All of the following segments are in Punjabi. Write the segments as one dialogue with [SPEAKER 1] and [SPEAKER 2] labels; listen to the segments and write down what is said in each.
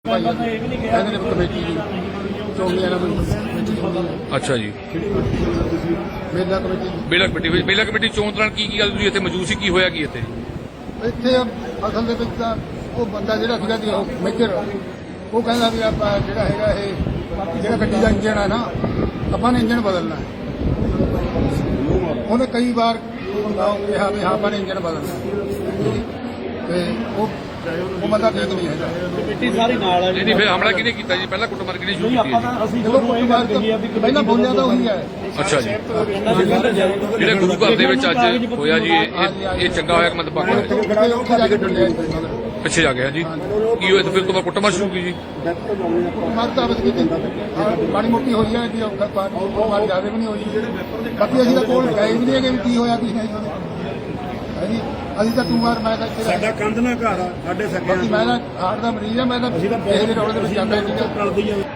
[SPEAKER 1] कमेटी
[SPEAKER 2] अच्छा जी
[SPEAKER 1] मेला कमेटी
[SPEAKER 2] बेला कमेटी चोਣ ਦੌਰਾਨ ਕੀ ਗੱਲ ਹੋਈ ਇੱਥੇ ਮੌਜੂਦ ਸੀ ਕੀ ਹੋਇਆ ਕੀ ਇੱਥੇ
[SPEAKER 1] ਇੱਥੇ ਅਸਲ ਦੇ ਵਿੱਚ ਤਾਂ ਉਹ ਬੰਦਾ ਜਿਹੜਾ ਸੀਗਾ ਜੀ ਉਹ ਮੇਜਰ ਉਹ ਕਹਿੰਦਾ ਵੀ ਆਪਾਂ ਜਿਹੜਾ ਹੈਗਾ ਇਹ ਜਿਹੜਾ ਗੱਡੀ ਦਾ ਇੰਜਣ ਹੈ ਨਾ ਆਪਾਂ ਨੇ ਇੰਜਣ ਬਦਲਣਾ ਹੈ ਉਹਨੇ ਕਈ ਵਾਰ ਕਿਹਾ ਵੀ ਹਾਂ ਆਪਾਂ ਨੇ ਇੰਜਣ ਬਦਲਣਾ ਤੇ ਉਹ ਬੰਦਾ ਠੀਕ ਨਹੀਂ ਹੈਗਾ
[SPEAKER 3] ਕਮੇਟੀ ਸਾਰੀ ਨਾਲ ਹੈ
[SPEAKER 2] ਨਹੀਂ ਫਿਰ ਹਮਲਾ ਕਿਹਨੇ ਕੀਤਾ ਜੀ ਪਹਿਲਾਂ ਕੁੱਟਮਾਰ ਕਿਹਨੇ ਸ਼ੁਰੂ ਕੀਤੀ ਹੈ
[SPEAKER 3] ਅਸੀਂ ਤੁਹਾਨੂੰ ਇਹ ਗੱਲ ਕਹੀ ਆ ਵੀ
[SPEAKER 1] ਪਹਿਲਾਂ ਬੋਲਿਆ ਤਾਂ ਉਹੀ ਹੈ
[SPEAKER 2] ਅੱਛਾ ਜੀ ਜਿਹੜੇ ਗੁਰੂ ਘਰ ਦੇ ਵਿੱਚ ਅੱਜ ਹੋਇਆ ਜੀ ਇਹ ਚੰਗਾ ਹੋਇਆ ਕਿ ਮੰਦਭਾਗਾ ਹੋਇਆ
[SPEAKER 1] ਉੱਥੇ ਜਾ ਕੇ ਡੁੱਲਿਆ
[SPEAKER 2] ਪਿੱਛੇ ਜਾ ਗਿਆ ਜੀ ਕੀ ਹੋਇਆ ਤੇ ਫਿਰ ਤੋਂ ਬਾਅਦ ਕੁੱਟਮਾਰ ਸ਼ੁਰੂ ਕੀ ਜੀ
[SPEAKER 1] ਮਰਦਾ ਬਸ ਕੀ ਮਾੜੀ ਮੋਟੀ ਹੋਈ ਹੈ ਜੀ ਮਾੜੀ ਜ਼ਿਆਦਾ ਵੀ ਨਹੀਂ ਹੋਈ ਬਾਕੀ ਅਸੀਂ ਤਾਂ ਕੋਲ ਗਏ ਵੀ ਨਹੀਂ ਹੈਗੇ ਵੀ ਕੀ ਹੋਇਆ ਕੀ ਨਹੀਂ ਹਾਂਜੀ ਅਸੀਂ ਤਾਂ ਤੂੰ ਮਾਰ ਮੈਂ ਤਾਂ ਇੱਥੇ
[SPEAKER 3] ਸਾਡਾ ਕੰਧ ਨਾ ਘਰ ਆ ਸਾਡੇ
[SPEAKER 1] ਬਾਕੀ
[SPEAKER 3] ਸਕਿਆਂ
[SPEAKER 1] ਮੈਂ ਤਾਂ ਹਾਰਟ ਦਾ ਮਰੀਜ਼ ਆ ਮੈਂ ਤਾਂ ਕਿਸੇ ਦੇ ਰੌਲੇ ਦੇ ਵਿੱਚ ਜਾਂਦਾ ਨਹੀਂ
[SPEAKER 3] ਟਲਦੀ ਆ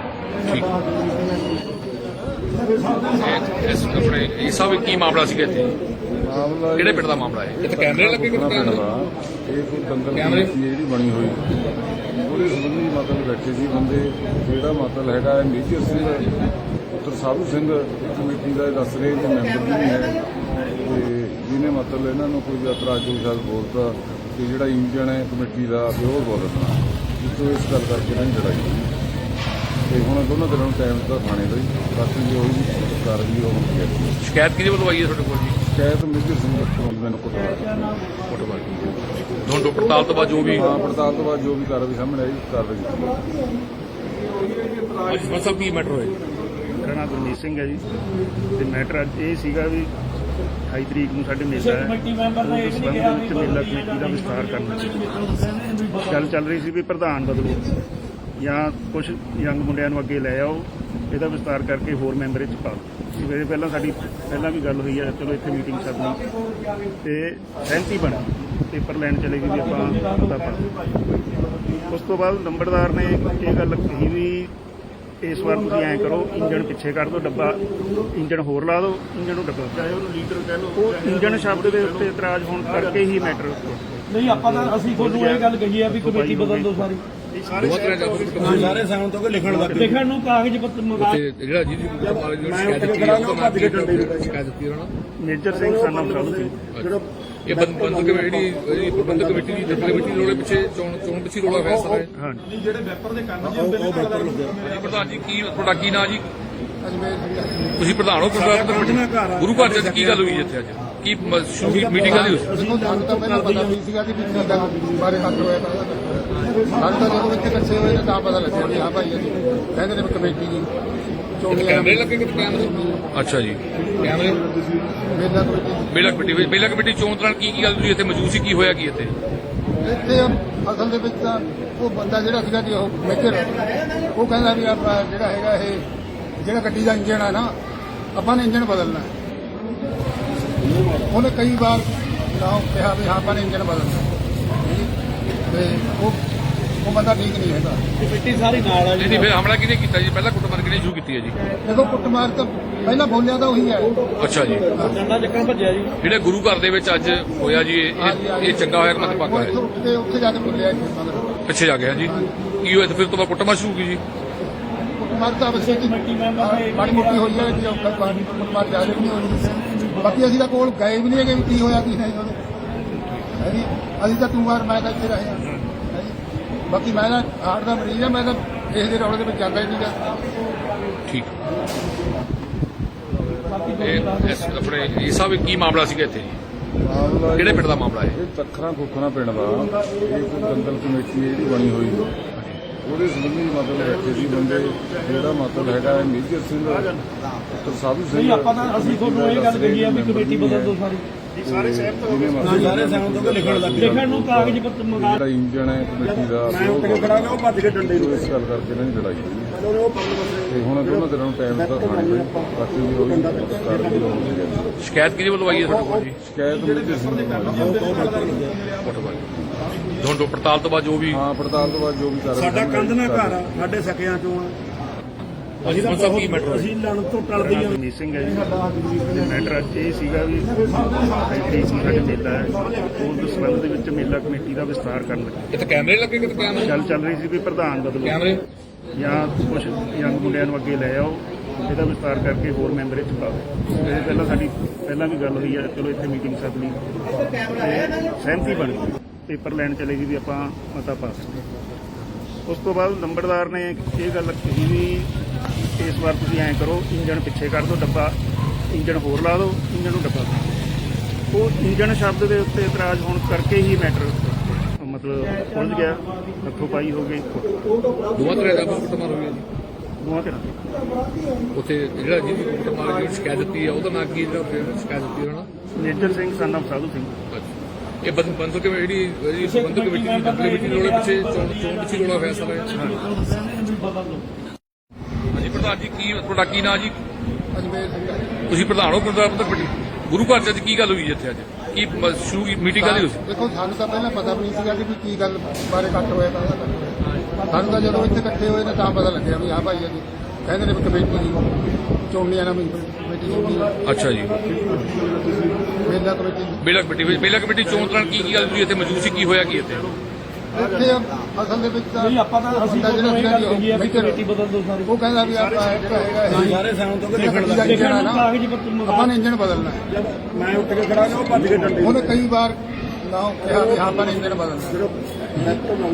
[SPEAKER 2] ਇਸ ਆਪਣੇ ਇਹ ਸਭ ਕੀ ਮਾਮਲਾ ਸੀਗਾ ਇੱਥੇ
[SPEAKER 4] ਮਾਮਲਾ
[SPEAKER 2] ਕਿਹੜੇ ਪਿੰਡ ਦਾ ਮਾਮਲਾ ਹੈ ਇੱਥੇ ਕੈਮਰੇ ਲੱਗੇ ਕਿਤੇ
[SPEAKER 4] ਇਹ ਕੋਈ ਦੰਗਲ
[SPEAKER 2] ਕੈਮਰੇ?
[SPEAKER 4] ਕਮੇਟੀ ਜਿਹੜੀ ਬਣੀ ਹੋਈ ਉਹਦੇ ਸੰਬੰਧੀ ਮਤਲਬ ਬੈਠੇ ਸੀ ਬੰਦੇ ਜਿਹੜਾ ਮਤਲਬ ਹੈਗਾ ਹੈ ਮੇਜਰ ਸਿੰਘ ਪੁੱਤਰ ਸਾਧੂ ਸਿੰਘ ਕਮੇਟੀ ਦਾ ਇਹ ਦੱਸ ਰਹੇ ਕਿ ਮੈਂਬਰ ਵੀ ਹੈ ਤੇ ਜਿਹਨੇ ਮਤਲਬ ਇਹਨਾਂ ਨੂੰ ਕੋਈ ਇਤਰਾਜ਼ ਕੋਈ ਸ਼ਾਇਦ ਬੋਲਤਾ ਕਿ ਜਿਹੜਾ ਇੰਜਣ ਹੈ ਕਮੇਟੀ ਦਾ ਵੀ ਉਹ ਬੋਲਣਾ ਜਿੱਥੋਂ ਇਸ ਗੱਲ ਕਰਕੇ ਇਹਨਾਂ ਦੀ ਲੜਾਈ ਹੋਈ ਤੇ ਹੁਣ ਦੋਨਾਂ ਦਿਨਾਂ ਨੂੰ ਟਾਈਮ ਦਿੱਤਾ ਥਾਣੇ ਦਾ ਜੀ ਬਾਕੀ ਜੋ ਹੋਈ ਕਾਰਵਾਈ ਉਹ ਹੁੰਦੀ ਹੈ
[SPEAKER 2] ਸ਼ਿਕਾਇਤ ਕਿਹਦੇ ਵੱਲੋਂ ਆਈ ਹੈ ਤੁਹਾਡੇ ਕੋਲ ਜੀ
[SPEAKER 4] ਸ਼ਾਇਦ ਮੇਜਰ ਸਿੰਘ ਤੋਂ ਮੈਨੂੰ ਕੁੱਟਮਾਰ
[SPEAKER 2] ਫੁੱਟਬਾਲ ਦੋਨੋਂ ਪੜਤਾਲ ਤੋਂ ਬਾਅਦ ਜੋ ਵੀ
[SPEAKER 4] ਹਾਂ ਪੜਤਾਲ ਤੋਂ ਬਾਅਦ ਜੋ ਵੀ ਕਾਰਵਾਈ ਸਾਹਮਣੇ ਆਈ ਕਾਰਵਾਈ ਕੀਤੀ
[SPEAKER 2] ਅੱਜ ਸਭ ਕੀ ਮੈਟਰ ਹੋਇਆ
[SPEAKER 5] ਮੇਰਾ ਨਾਮ ਗੁਰਮੀਤ ਸਿੰਘ ਹੈ ਜੀ ਤੇ ਮੈਟਰ ਅੱਜ ਇਹ ਸੀਗਾ ਵੀ 28 ਤਰੀਕ ਨੂੰ ਸਾਡੇ ਮੇਲਾ ਹੈ
[SPEAKER 3] ਕਮੇਟੀ ਮੈਂਬਰ ਨੇ ਇਹ ਨਹੀਂ ਕਿਹਾ ਵੀ
[SPEAKER 5] ਮੇਲਾ ਕਮੇਟੀ ਦਾ ਵਿਸਤਾਰ ਕਰਨਾ ਗੱਲ ਚੱਲ ਰਹੀ ਸੀ ਵੀ ਪ੍ਰਧਾਨ ਬਦਲੋ ਜਾਂ ਕੁਝ ਯੰਗ ਮੁੰਡਿਆਂ ਨੂੰ ਅੱਗੇ ਲੈ ਆਓ ਇਹਦਾ ਵਿਸਤਾਰ ਕਰਕੇ ਹੋਰ ਮੈਂਬਰ ਵਿੱਚ ਪਾ ਲਓ ਸਵੇਰੇ ਸਾਡੀ ਪਹਿਲਾਂ ਵੀ ਗੱਲ ਹੋਈ ਹੈ ਚਲੋ ਇੱਥੇ ਮੀਟਿੰਗ ਕਰਨੀ ਤੇ ਸਹਿਮਤੀ ਬਣੀ ਪੇਪਰ ਲੈਣ ਚਲੇ ਗਏ ਵੀ ਆਪਾਂ ਉਹਦਾ ਪਾ ਉਸ ਤੋਂ ਬਾਅਦ ਨੰਬਰਦਾਰ ਨੇ ਇਹ ਗੱਲ ਕਹੀ ਵੀ ਇਸ ਵਾਰ ਤੁਸੀਂ ਐਂ ਕਰੋ ਇੰਜਣ ਪਿੱਛੇ ਕੱਢ ਦਿਓ ਡੱਬਾ ਇੰਜਣ ਹੋਰ ਲਾ ਦਿਓ ਇੰਜਣ ਨੂੰ ਡੱਬਾ ਚਾਹੇ ਉਹਨੂੰ ਲੀਡਰ ਕਹਿ ਲਓ ਉਹ ਇੰਜਣ ਸ਼ਬਦ ਦੇ ਉੱਤੇ ਇਤਰਾਜ਼ ਹੋਣ ਕਰਕੇ ਹੀ ਮੈਟਰ
[SPEAKER 3] ਨਹੀਂ ਆਪਾਂ ਤਾਂ ਅਸੀਂ ਤੁਹਾਨੂੰ ਇਹ ਗੱਲ ਕਹੀ ਆ ਵੀ ਕਮੇਟੀ ਬਦਲ ਦਿਓ ਸਾਰੀ
[SPEAKER 2] ਦੋ ਤਰ੍ਹਾਂ ਦਾ
[SPEAKER 3] ਸਾਰੇ ਸਾਉਣ ਤੋਂ ਲਿਖਣ ਲੱਗ ਲਿਖਣ ਨੂੰ ਕਾਗਜ਼ ਪੱਤਰ ਮੰਗਾ
[SPEAKER 2] ਜਿਹੜਾ ਜੀ ਸ਼ਿਕਾਇਤ ਦਿੱਤੀ ਸ਼ਿਕਾਇਤ ਦਿੱਤੀ ਉਹਨਾਂ
[SPEAKER 5] ਮੇਜਰ ਸਿੰਘ ਸਾਨਾ ਸਾਧੂ ਸਿੰਘ
[SPEAKER 2] ਇਹ ਬੰਦਕ ਕਮੇਟੀ ਜਿਹੜੀ ਪ੍ਰਬੰਧਕ ਕਮੇਟੀ ਦੀ ਕਮੇਟੀ ਰੋਲੇ ਪਿੱਛੇ ਚੋਣ ਪਿੱਛੇ ਰੋਲਾ ਹੋਇਆ ਸਾਰਾ
[SPEAKER 5] ਹਾਂਜੀ
[SPEAKER 3] ਜਿਹੜੇ ਵੈਪਰ ਦੇ ਕੰਨ ਜੀ ਉਹ ਵੈਪਰ
[SPEAKER 2] ਜੀ ਪ੍ਰਧਾਨ ਜੀ ਕੀ ਤੁਹਾਡਾ ਕੀ ਨਾਂ ਜੀ
[SPEAKER 1] ਅਜਮੇਰ
[SPEAKER 2] ਤੁਸੀਂ ਪ੍ਰਧਾਨ ਹੋ ਗੁਰੂ ਘਰ ਚ ਕੀ ਗੱਲ ਹੋਈ ਇੱਥੇ ਅੱਜ ਕੀ ਮੀਟਿੰਗ ਕਾਹਦੀ ਹੋਈ
[SPEAKER 1] ਦੇਖੋ ਸਾਨੂੰ ਤਾਂ ਪਹਿਲਾਂ ਪਤਾ ਨਹੀਂ ਸੀਗਾ ਕਿ ਕੀ ਗੱਲ ਬਾਰੇ ਹੱਥ ਹੋਇਆ ਸਾਨੂੰ ਤਾਂ ਜਦੋਂ ਇੱਥੇ ਇਕੱਠੇ ਹੋਏ ਤਾਂ ਪਤਾ ਲੱਗਿਆ ਵੀ ਹਾਂ ਭਾਈ ਅਸੀਂ ਕਹਿੰਦੇ ਨੇ ਵੀ ਕਮੇਟੀ ਦੀ
[SPEAKER 2] ਕੈਮਰੇ ਲੱਗੇ ਕਿਤੇ ਕੈਮਰੇ ਅੱਛਾ ਜੀ ਕੈਮਰੇ
[SPEAKER 1] ਮੇਲਾ ਕਮੇਟੀ
[SPEAKER 2] ਬੇਲਾ ਕਮੇਟੀ ਚੋਣ ਦੌਰਾਨ ਕੀ ਗੱਲ ਹੋਈ ਇੱਥੇ ਮੌਜੂਦ ਸੀ ਕੀ ਹੋਇਆ ਕੀ ਇੱਥੇ
[SPEAKER 1] ਇੱਥੇ ਅਸਲ ਦੇ ਵਿੱਚ ਤਾਂ ਉਹ ਬੰਦਾ ਜਿਹੜਾ ਸੀਗਾ ਜੀ ਉਹ ਮੇਜਰ ਉਹ ਕਹਿੰਦਾ ਵੀ ਆਪਾਂ ਜਿਹੜਾ ਹੈਗਾ ਇਹ ਜਿਹੜਾ ਗੱਡੀ ਦਾ ਇੰਜਣ ਹੈ ਨਾ ਆਪਾਂ ਨੇ ਇੰਜਣ ਬਦਲਣਾ ਹੈ ਉਹਨੇ ਕਈ ਵਾਰ ਕਿਹਾ ਵੀ ਹਾਂ ਆਪਾਂ ਨੇ ਇੰਜਣ ਬਦਲਣਾ ਤੇ ਉਹ ਬੰਦਾ ਠੀਕ ਨਹੀਂ ਹੈਗਾ
[SPEAKER 3] ਕਮੇਟੀ ਸਾਰੀ ਨਾਲ ਹੈ
[SPEAKER 2] ਨਹੀਂ ਫਿਰ ਹਮਲਾ ਕਿਹਨੇ ਕੀਤਾ ਜੀ ਪਹਿਲਾਂ ਕੁੱਟਮਾਰ ਕਿਹਨੇ ਸ਼ੁਰੂ ਕੀਤੀ ਹੈ ਜੀ
[SPEAKER 1] ਦੇਖੋ ਕੁੱਟਮਾਰ ਤਾਂ ਪਹਿਲਾਂ ਬੋਲਿਆ ਤਾਂ ਉਹੀ ਹੈ
[SPEAKER 2] ਅੱਛਾ ਜੀ
[SPEAKER 3] ਡੰਡਾ ਚੱਕਣ ਭੱਜਿਆ ਜੀ
[SPEAKER 2] ਜਿਹੜੇ ਗੁਰੂ ਘਰ ਦੇ ਵਿੱਚ ਅੱਜ ਹੋਇਆ ਜੀ ਇਹ ਚੰਗਾ ਹੋਇਆ ਕਿ ਮੰਦਭਾਗਾ ਹੋਇਆ
[SPEAKER 1] ਉੱਥੇ ਜਾ ਕੇ ਬੋਲਿਆ
[SPEAKER 2] ਪਿੱਛੇ ਜਾ ਗਿਆ ਜੀ ਕੀ ਹੋਇਆ ਤੇ ਫਿਰ ਤੋਂ ਬਾਅਦ ਕੁੱਟਮਾਰ ਸ਼ੁਰੂ ਕੀ ਜੀ
[SPEAKER 1] ਕੁੱਟਮਾਰ ਤਾਂ ਬਸ
[SPEAKER 3] ਕਮੇਟੀ ਮੈਂਬਰ ਨੇ
[SPEAKER 1] ਮਾੜੀ ਮੋਟੀ ਹੋਈ ਹੈ ਜੀ ਕੁੱਟਮਾਰ ਜ਼ਿਆਦਾ ਵੀ ਨਹੀਂ ਹੋਈ ਬਾਕੀ ਅਸੀਂ ਤਾਂ ਕੋਲ ਗਏ ਵੀ ਨਹੀਂ ਹੈਗੇ ਵੀ ਕੀ ਹੋਇਆ ਕੀ ਨਹੀਂ ਹਾਂਜੀ ਅਸੀਂ ਤਾਂ ਤੂੰ ਮਾਰ ਮੈਂ ਤਾਂ ਇੱਥੇ ਰਹੇ ਹਾਂ ਬਾਕੀ ਮੈਂ ਤਾਂ ਹਾਰਟ ਦਾ ਮਰੀਜ਼ ਆ ਮੈਂ ਤਾਂ ਕਿਸੇ ਦੇ ਰੌਲੇ ਦੇ ਵਿੱਚ ਜਾਂਦਾ ਹੀ ਨਹੀਂਗਾ
[SPEAKER 2] ਠੀਕ ਇਸ ਆਪਣੇ ਇਹ ਸਭ ਕੀ ਮਾਮਲਾ ਸੀਗਾ ਇੱਥੇ ਜੀ
[SPEAKER 4] ਮਾਮਲਾ
[SPEAKER 2] ਕਿਹੜੇ ਪਿੰਡ ਦਾ ਮਾਮਲਾ ਹੈ
[SPEAKER 4] ਇਹ ਤੱਖਰਾਂ ਖੋਖਰਾਂ ਪਿੰਡ ਦਾ ਇਹ ਕੋਈ ਦੰਗਲ ਕਮੇਟੀ ਜਿਹੜੀ ਬਣੀ ਹੋਈ ਉਹਦੇ ਸੰਬੰਧੀ ਮਤਲਬ ਬੈਠੇ ਸੀ ਬੰਦੇ ਜਿਹੜਾ ਮਤਲਬ ਹੈਗਾ ਹੈ ਮੇਜਰ ਸਿੰਘ ਪੁੱਤਰ ਸਾਧੂ ਸਿੰਘ
[SPEAKER 3] ਨਹੀਂ ਆਪਾਂ ਤਾਂ ਅਸੀਂ ਤੁਹਾਨੂੰ ਇਹ ਗੱਲ ਕਹੀ ਆ ਵੀ ਕਮੇਟੀ ਬਦਲ ਦਿਓ ਸਾਰੀ
[SPEAKER 4] ਸਾਰੇ
[SPEAKER 3] ਸਾਉਣ ਤੋਂ ਲਿਖਣ ਲੱਗ ਲਿਖਣ ਨੂੰ ਕਾਗਜ਼ ਪੱਤਰ ਮੰਗਾ
[SPEAKER 4] ਜਿਹੜਾ ਇੰਜਣ ਹੈ ਕਮੇਟੀ ਦਾ
[SPEAKER 3] ਉਹ ਭੱਜ ਕੇ ਡੰਡੇ ਨੂੰ
[SPEAKER 4] ਇਸ ਗੱਲ ਕਰਕੇ ਇਹਨਾਂ ਦੀ ਲੜਾਈ ਹੋਈ ਤੇ ਹੁਣ ਦੋਨਾਂ ਦਿਨਾਂ ਨੂੰ ਟਾਈਮ ਦਿੱਤਾ ਥਾਣੇ ਦਾ ਬਾਕੀ ਜੋ ਹੋਈ ਕਾਰਵਾਈ ਉਹ ਹੁੰਦੀ ਹੈ
[SPEAKER 2] ਸ਼ਿਕਾਇਤ ਕਿਹਦੇ ਵੱਲੋਂ ਆਈ ਹੈ ਤੁਹਾਡੇ ਕੋਲ ਜੀ
[SPEAKER 4] ਸ਼ਿਕਾਇਤ ਮੇਜਰ ਸਿੰਘ ਤੋਂ
[SPEAKER 2] ਫੁੱਟਬਾਲ ਦੋਨੋਂ ਪੜਤਾਲ ਤੋਂ ਬਾਅਦ ਜੋ ਵੀ
[SPEAKER 4] ਹਾਂ ਪੜਤਾਲ ਤੋਂ ਬਾਅਦ ਜੋ ਵੀ ਕਾਰਵਾਈ
[SPEAKER 3] ਸਾਡਾ ਕੰਧ ਨਾ ਘਰ ਆ ਸਾਡੇ ਸਕਿਆਂ ਚੋਂ
[SPEAKER 4] ਸਾਹਮਣੇ ਆਈ ਕਾਰਵਾਈ ਕੀਤੀ
[SPEAKER 3] ਆ
[SPEAKER 4] ਜਾਊਗੀ
[SPEAKER 3] ਅਸੀਂ ਤਾਂ
[SPEAKER 2] ਸਭ ਕੀ ਮੈਟਰ
[SPEAKER 3] ਅਸੀਂ ਲੜਨ ਤੋਂ ਟਲਦੇ ਹੀ ਹਾਂ।
[SPEAKER 5] ਰਣਜੀਤ ਸਿੰਘ ਹੈ ਜੀ। ਮੈਟਰ ਅੱਜ ਇਹ ਸੀਗਾ ਵੀ 35 ਨੂੰ ਸਾਡੇ ਮੇਲਾ ਹੈ, ਉਸ ਸੰਬੰਧ ਦੇ ਵਿੱਚ ਮੇਲਾ ਕਮੇਟੀ ਦਾ ਵਿਸਤਾਰ ਕਰਨ ਲੱਗੇ।
[SPEAKER 2] ਇੱਥੇ ਕੈਮਰੇ ਲੱਗੇ ਕਿਤੇ ਕੈਮਰੇ
[SPEAKER 5] ਗੱਲ ਚੱਲ ਰਹੀ ਸੀ ਵੀ ਪ੍ਰਧਾਨ ਬਦਲੋ
[SPEAKER 2] ਕੈਮਰੇ
[SPEAKER 5] ਜਾਂ ਕੁਝ ਯੰਗ ਮੁੰਡਿਆਂ ਨੂੰ ਅੱਗੇ ਲੈ ਆਓ, ਇਹਦਾ ਵਿਸਤਾਰ ਕਰਕੇ ਹੋਰ ਮੈਂਬਰ ਇਹ 'ਚ ਪਾਓ। ਇਹ ਪਹਿਲਾਂ ਸਾਡੀ ਵੀ ਗੱਲ ਹੋਈ ਹੈ, ਚਲੋ ਇੱਥੇ ਮੀਟਿੰਗ ਸੱਦ ਲਈ ਤੇ ਸਹਿਮਤੀ ਬਣ ਗਈ, ਪੇਪਰ ਲੈਣ ਚਲੇ ਗਈ ਵੀ ਆਪਾਂ ਮਤਾ ਪਾਸ। ਉਸ ਤੋਂ ਬਾਅਦ ਨੰਬਰਦਾਰ ਨੇ ਇਹ ਗੱਲ ਕਹੀ ਵੀ ਇਸ ਵਾਰ ਤੁਸੀਂ ਐਂ ਕਰੋ, ਇੰਜਣ ਪਿੱਛੇ ਕਰ ਦਿਓ, ਡੱਬਾ ਇੰਜਣ ਹੋਰ ਲਾ ਦਿਓ, ਇੰਜਣ ਨੂੰ ਡੱਬਾ ਕਰ ਦਿਓ। ਉਹ ਇੰਜਣ ਸ਼ਬਦ ਦੇ ਉੱਤੇ ਇਤਰਾਜ਼ ਹੋਣ ਕਰਕੇ ਹੀ ਮੈਟਰ ਮਤਲਬ ਉਲਝ ਗਿਆ, ਹੱਥੋਂ ਪਾਈ ਹੋ ਗਈ
[SPEAKER 2] ਦੋਵਾਂ ਤਰ੍ਹਾਂ ਦਾ ਕੁੱਟਮਾਰ ਹੋਈ ਹੈ ਜੀ
[SPEAKER 5] ਦੋਵਾਂ ਧਿਰਾਂ ਦੀ।
[SPEAKER 2] ਉੱਥੇ ਜਿਹੜਾ ਜਿਹਦੀ ਕੁੱਟਮਾਰ ਦੀ ਸ਼ਿਕਾਇਤ ਦਿੱਤੀ ਹੈ ਉਹਦਾ ਨਾਂ ਕੀ ਜਿਹੜਾ ਸ਼ਿਕਾਇਤ ਦਿੱਤੀ ਉਹਨਾਂ
[SPEAKER 5] ਮੇਜਰ ਸਿੰਘ son of ਸਾਧੂ ਸਿੰਘ।
[SPEAKER 2] ਇਹ ਬੰਦਕ ਜਿਹੜੀ ਬੰਦਕ ਕਮੇਟੀ ਦੀ ਡਬਲ ਕਮੇਟੀ ਰੋਲੇ ਪਿੱਛੇ ਚੋਣ ਪਿੱਛੇ ਰੋਲਾ ਹੋਇਆ ਸਾਰਾ ਹਾਂਜੀ ਪ੍ਰਧਾਨ ਜੀ ਕੀ ਤੁਹਾਡਾ ਕੀ ਨਾਂ ਜੀ
[SPEAKER 1] ਅਜਮੇਰ ਸਿੰਘ ਹੈ।
[SPEAKER 2] ਤੁਸੀਂ ਪ੍ਰਧਾਨ ਹੋ ਬੰਦਕ ਕਮੇਟੀ ਗੁਰੂ ਘਰ ਚ ਅੱਜ ਕੀ ਗੱਲ ਹੋਈ ਜੀ ਇੱਥੇ ਅੱਜ ਕੀ ਸ਼ੁਰੂ ਮੀਟਿੰਗ ਕਾਹਦੀ ਹੋਈ
[SPEAKER 1] ਦੇਖੋ ਸਾਨੂੰ ਤਾਂ ਪਹਿਲਾਂ ਪਤਾ ਵੀ ਨਹੀਂ ਸੀਗਾ ਕਿ ਵੀ ਕੀ ਗੱਲ ਬਾਰੇ ਇਕੱਠ ਹੋਇਆ ਤਾਂ ਸਾਨੂੰ ਤਾਂ ਜਦੋਂ ਇੱਥੇ ਇਕੱਠੇ ਹੋਏ ਨੇ ਤਾਂ ਪਤਾ ਲੱਗਿਆ ਵੀ ਹਾਂ ਭਾਈ ਜੀ ਕਹਿੰਦੇ ਨੇ ਵੀ ਕਮੇਟੀ ਦੀ ਚੋਣੀਆਂ ਨਾਲ ਕਮੇਟੀ ਚੋਣੀ
[SPEAKER 2] ਅੱਛਾ ਜੀ
[SPEAKER 1] ਮੇਲਾ ਕਮੇਟੀ
[SPEAKER 2] ਬੇਲਾ ਕਮੇਟੀ ਚੋਣ ਦੌਰਾਨ ਕੀ ਗੱਲ ਹੋਈ ਇੱਥੇ ਮੌਜੂਦ ਸੀ ਕੀ ਹੋਇਆ ਕੀ ਇੱਥੇ
[SPEAKER 1] ਇੱਥੇ ਅਸਲ ਦੇ ਵਿੱਚ ਤਾਂ
[SPEAKER 3] ਨਹੀਂ ਆਪਾਂ ਤਾਂ ਅਸੀਂ
[SPEAKER 1] ਬੰਦਾ
[SPEAKER 3] ਤੁਹਾਨੂੰ ਇਹ ਗੱਲ ਕਹੀ ਹੈ ਵੀ
[SPEAKER 1] ਮੇਜਰ,
[SPEAKER 3] ਕਮੇਟੀ ਬਦਲ ਦਿਓ ਸਾਰੀ।
[SPEAKER 1] ਉਹ ਕਹਿੰਦਾ ਵੀ ਆਪਾਂ ਇੱਕ ਹੈਗਾ ਇਹ
[SPEAKER 3] ਸਾਰੇ ਸਾਉਣ ਤੋਂ
[SPEAKER 1] ਜਿਹੜਾ ਗੱਡੀ ਦਾ ਇੰਜਣ ਆ ਨਾ
[SPEAKER 3] ਕਾਗਜ਼ ਪੱਤਰ ਮੰਗਾ
[SPEAKER 1] ਆਪਾਂ ਨੇ ਇੰਜਣ ਬਦਲਣਾ ਹੈ।
[SPEAKER 3] ਮੈਂ ਉੱਠ ਕੇ ਖੜਾ ਉਹ ਭੱਜ ਕੇ ਡੰਡੇ
[SPEAKER 1] ਉਹਨੇ ਕਈ ਵਾਰ ਨਾ ਕਿਹਾ ਵੀ ਹਾਂ ਆਪਾਂ ਨੇ ਇੰਜਣ ਬਦਲਣਾ ਤੇ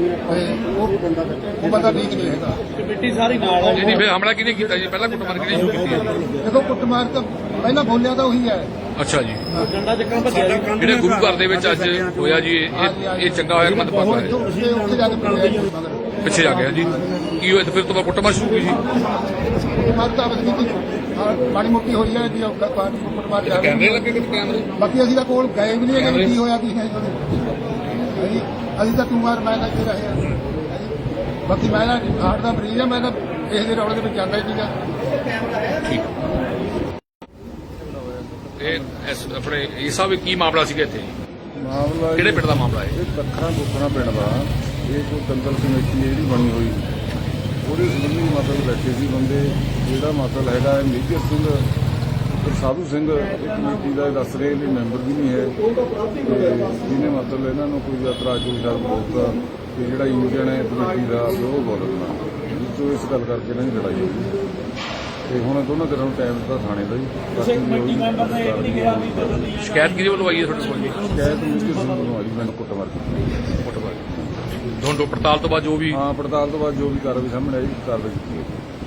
[SPEAKER 1] ਉਹ ਬੰਦਾ ਠੀਕ ਨਹੀਂ ਹੈਗਾ।
[SPEAKER 3] ਕਮੇਟੀ ਸਾਰੀ ਨਾਲ ਹੈ।
[SPEAKER 2] ਨਹੀਂ ਫਿਰ ਹਮਲਾ ਕਿਹਨੇ ਕੀਤਾ ਜੀ ਪਹਿਲਾਂ ਕੁੱਟਮਾਰ ਕਿਹਨੇ ਸ਼ੁਰੂ ਕੀਤੀ ਹੈ
[SPEAKER 1] ਦੇਖੋ ਕੁੱਟਮਾਰ ਤਾਂ ਪਹਿਲਾਂ ਬੋਲਿਆ ਤਾਂ ਉਹੀ ਹੈ।
[SPEAKER 2] ਅੱਛਾ ਜੀ
[SPEAKER 3] ਡੰਡਾ ਚੱਕਣ ਭੱਜਿਆ ਜੀ।
[SPEAKER 2] ਜਿਹੜੇ ਗੁਰੂ ਘਰ ਦੇ ਵਿੱਚ ਅੱਜ ਹੋਇਆ ਜੀ ਇਹ ਚੰਗਾ ਹੋਇਆ ਕਿ ਮੰਦਭਾਗਾ ਹੋਇਆ
[SPEAKER 1] ਉੱਥੇ ਜਾ ਕੇ ਬੋਲਿਆ ਜੀ ਮਗਰ
[SPEAKER 2] ਪਿੱਛੇ ਜਾ ਗਿਆ ਜੀ ਕੀ ਹੋਇਆ ਤੇ ਫਿਰ ਤੋਂ ਬਾਅਦ ਕੁੱਟਮਾਰ ਸ਼ੁਰੂ ਹੋਈ ਜੀ
[SPEAKER 1] ਮਾਰਤਾ ਬਸ ਕੀਤੀ ਮਾੜੀ ਮੋਟੀ ਹੋਈ ਹੈ ਜੀ ਕੁੱਟਮਾਰ ਜਾ
[SPEAKER 2] ਕੈਮਰੇ ਲੱਗੇ ਕਿਤੇ ਕੈਮਰੇ
[SPEAKER 1] ਬਾਕੀ ਅਸੀਂ ਤਾਂ ਕੋਲ ਗਏ ਵੀ ਨਹੀਂ ਹੈਗੇ ਵੀ ਕੀ ਹੋਇਆ ਕੀ ਨਹੀਂ ਹੋਇਆ। ਅਸੀਂ ਤਾਂ ਤੂੰ ਮਾਰ ਮੈਂ ਤਾਂ ਇੱਥੇ ਰਹੇ ਹਾਂ। ਬਾਕੀ ਮੈਂ ਨਾ ਹਾਰਟ ਦਾ ਮਰੀਜ਼ ਹਾਂ, ਮੈਂ ਤਾਂ ਇਸ ਦੇ ਰੌਲੇ ਦੇ ਵਿੱਚ ਜਾਂਦਾ ਹੀ ਨਹੀਂਗਾ।
[SPEAKER 2] ਇਹ ਆਪਣੇ ਇਹ ਸਭ ਕੀ ਮਾਮਲਾ ਸੀਗਾ ਇੱਥੇ
[SPEAKER 4] ਮਾਮਲਾ
[SPEAKER 2] ਕਿਹੜੇ ਪਿੰਡ ਦਾ ਮਾਮਲਾ ਹੈ
[SPEAKER 4] ਇਹ ਦੱਖਣਾ ਬੁੱਖਣਾ ਪਿੰਡ ਦਾ ਇਹ ਕੋਈ ਦੰਗਲ ਕਮੇਟੀ ਹੈ ਜਿਹੜੀ ਬਣੀ ਹੋਈ ਉਹਦੇ ਸੰਬੰਧੀ ਮਤਲਬ ਬੈਠੇ ਸੀ ਬੰਦੇ। ਜਿਹੜਾ ਮਤਲਬ ਹੈਗਾ ਹੈ ਮੇਜਰ ਸਿੰਘ ਤੇ ਸਾਧੂ ਸਿੰਘ ਇਹ ਕਮੇਟੀ ਦਾ ਦੱਸ ਰਹੇ ਵੀ ਮੈਂਬਰ ਵੀ ਨਹੀਂ ਹੈ ਤੇ ਜਿਹਨੇ ਮਤਲਬ ਇਹਨਾਂ ਨੂੰ ਕੋਈ ਇਤਰਾਜ਼ ਕੋਈ ਸ਼ਬਦ ਬੋਲਤਾ ਕਿ ਜਿਹੜਾ ਇੰਜਣ ਹੈ ਕਮੇਟੀ ਦਾ ਉਹ ਬੋਲਣਾ ਵਿੱਚੋਂ ਇਸ ਗੱਲ ਕਰਕੇ ਇਹਨਾਂ ਦੀ ਲੜਾਈ ਹੋਈ ਤੇ ਹੁਣ ਦੋਨਾਂ ਦਿਨਾਂ ਨੂੰ ਟਾਈਮ ਦਿੱਤਾ ਥਾਣੇ ਦਾ ਜੀ।
[SPEAKER 3] ਕਿਸੇ ਕਮੇਟੀ ਮੈਂਬਰ ਨੇ ਇਹ ਨਹੀਂ ਕਿਹਾ ਵੀ ਬਦਲਣੀ ਹੈ।
[SPEAKER 2] ਸ਼ਿਕਾਇਤ ਕਿਹਦੇ ਵੱਲੋਂ ਆਈ ਹੈ ਤੁਹਾਡੇ ਕੋਲ ਜੀ
[SPEAKER 4] ਸ਼ਿਕਾਇਤ ਮੇਜਰ ਸਿੰਘ ਨੂੰ ਆਈ ਮੈਨੂੰ ਕੁੱਟਮਾਰ ਕੀਤੀ।
[SPEAKER 2] ਕੁੱਟਮਾਰ ਦੋਨੋਂ ਪੜਤਾਲ ਤੋਂ ਬਾਅਦ ਜੋ ਵੀ
[SPEAKER 4] ਹਾਂ ਪੜਤਾਲ ਤੋਂ ਬਾਅਦ ਜੋ ਵੀ ਕਾਰਵਾਈ ਸਾਹਮਣੇ ਆਈ ਕਾਰਵਾਈ ਕੀਤੀ ਹੈ।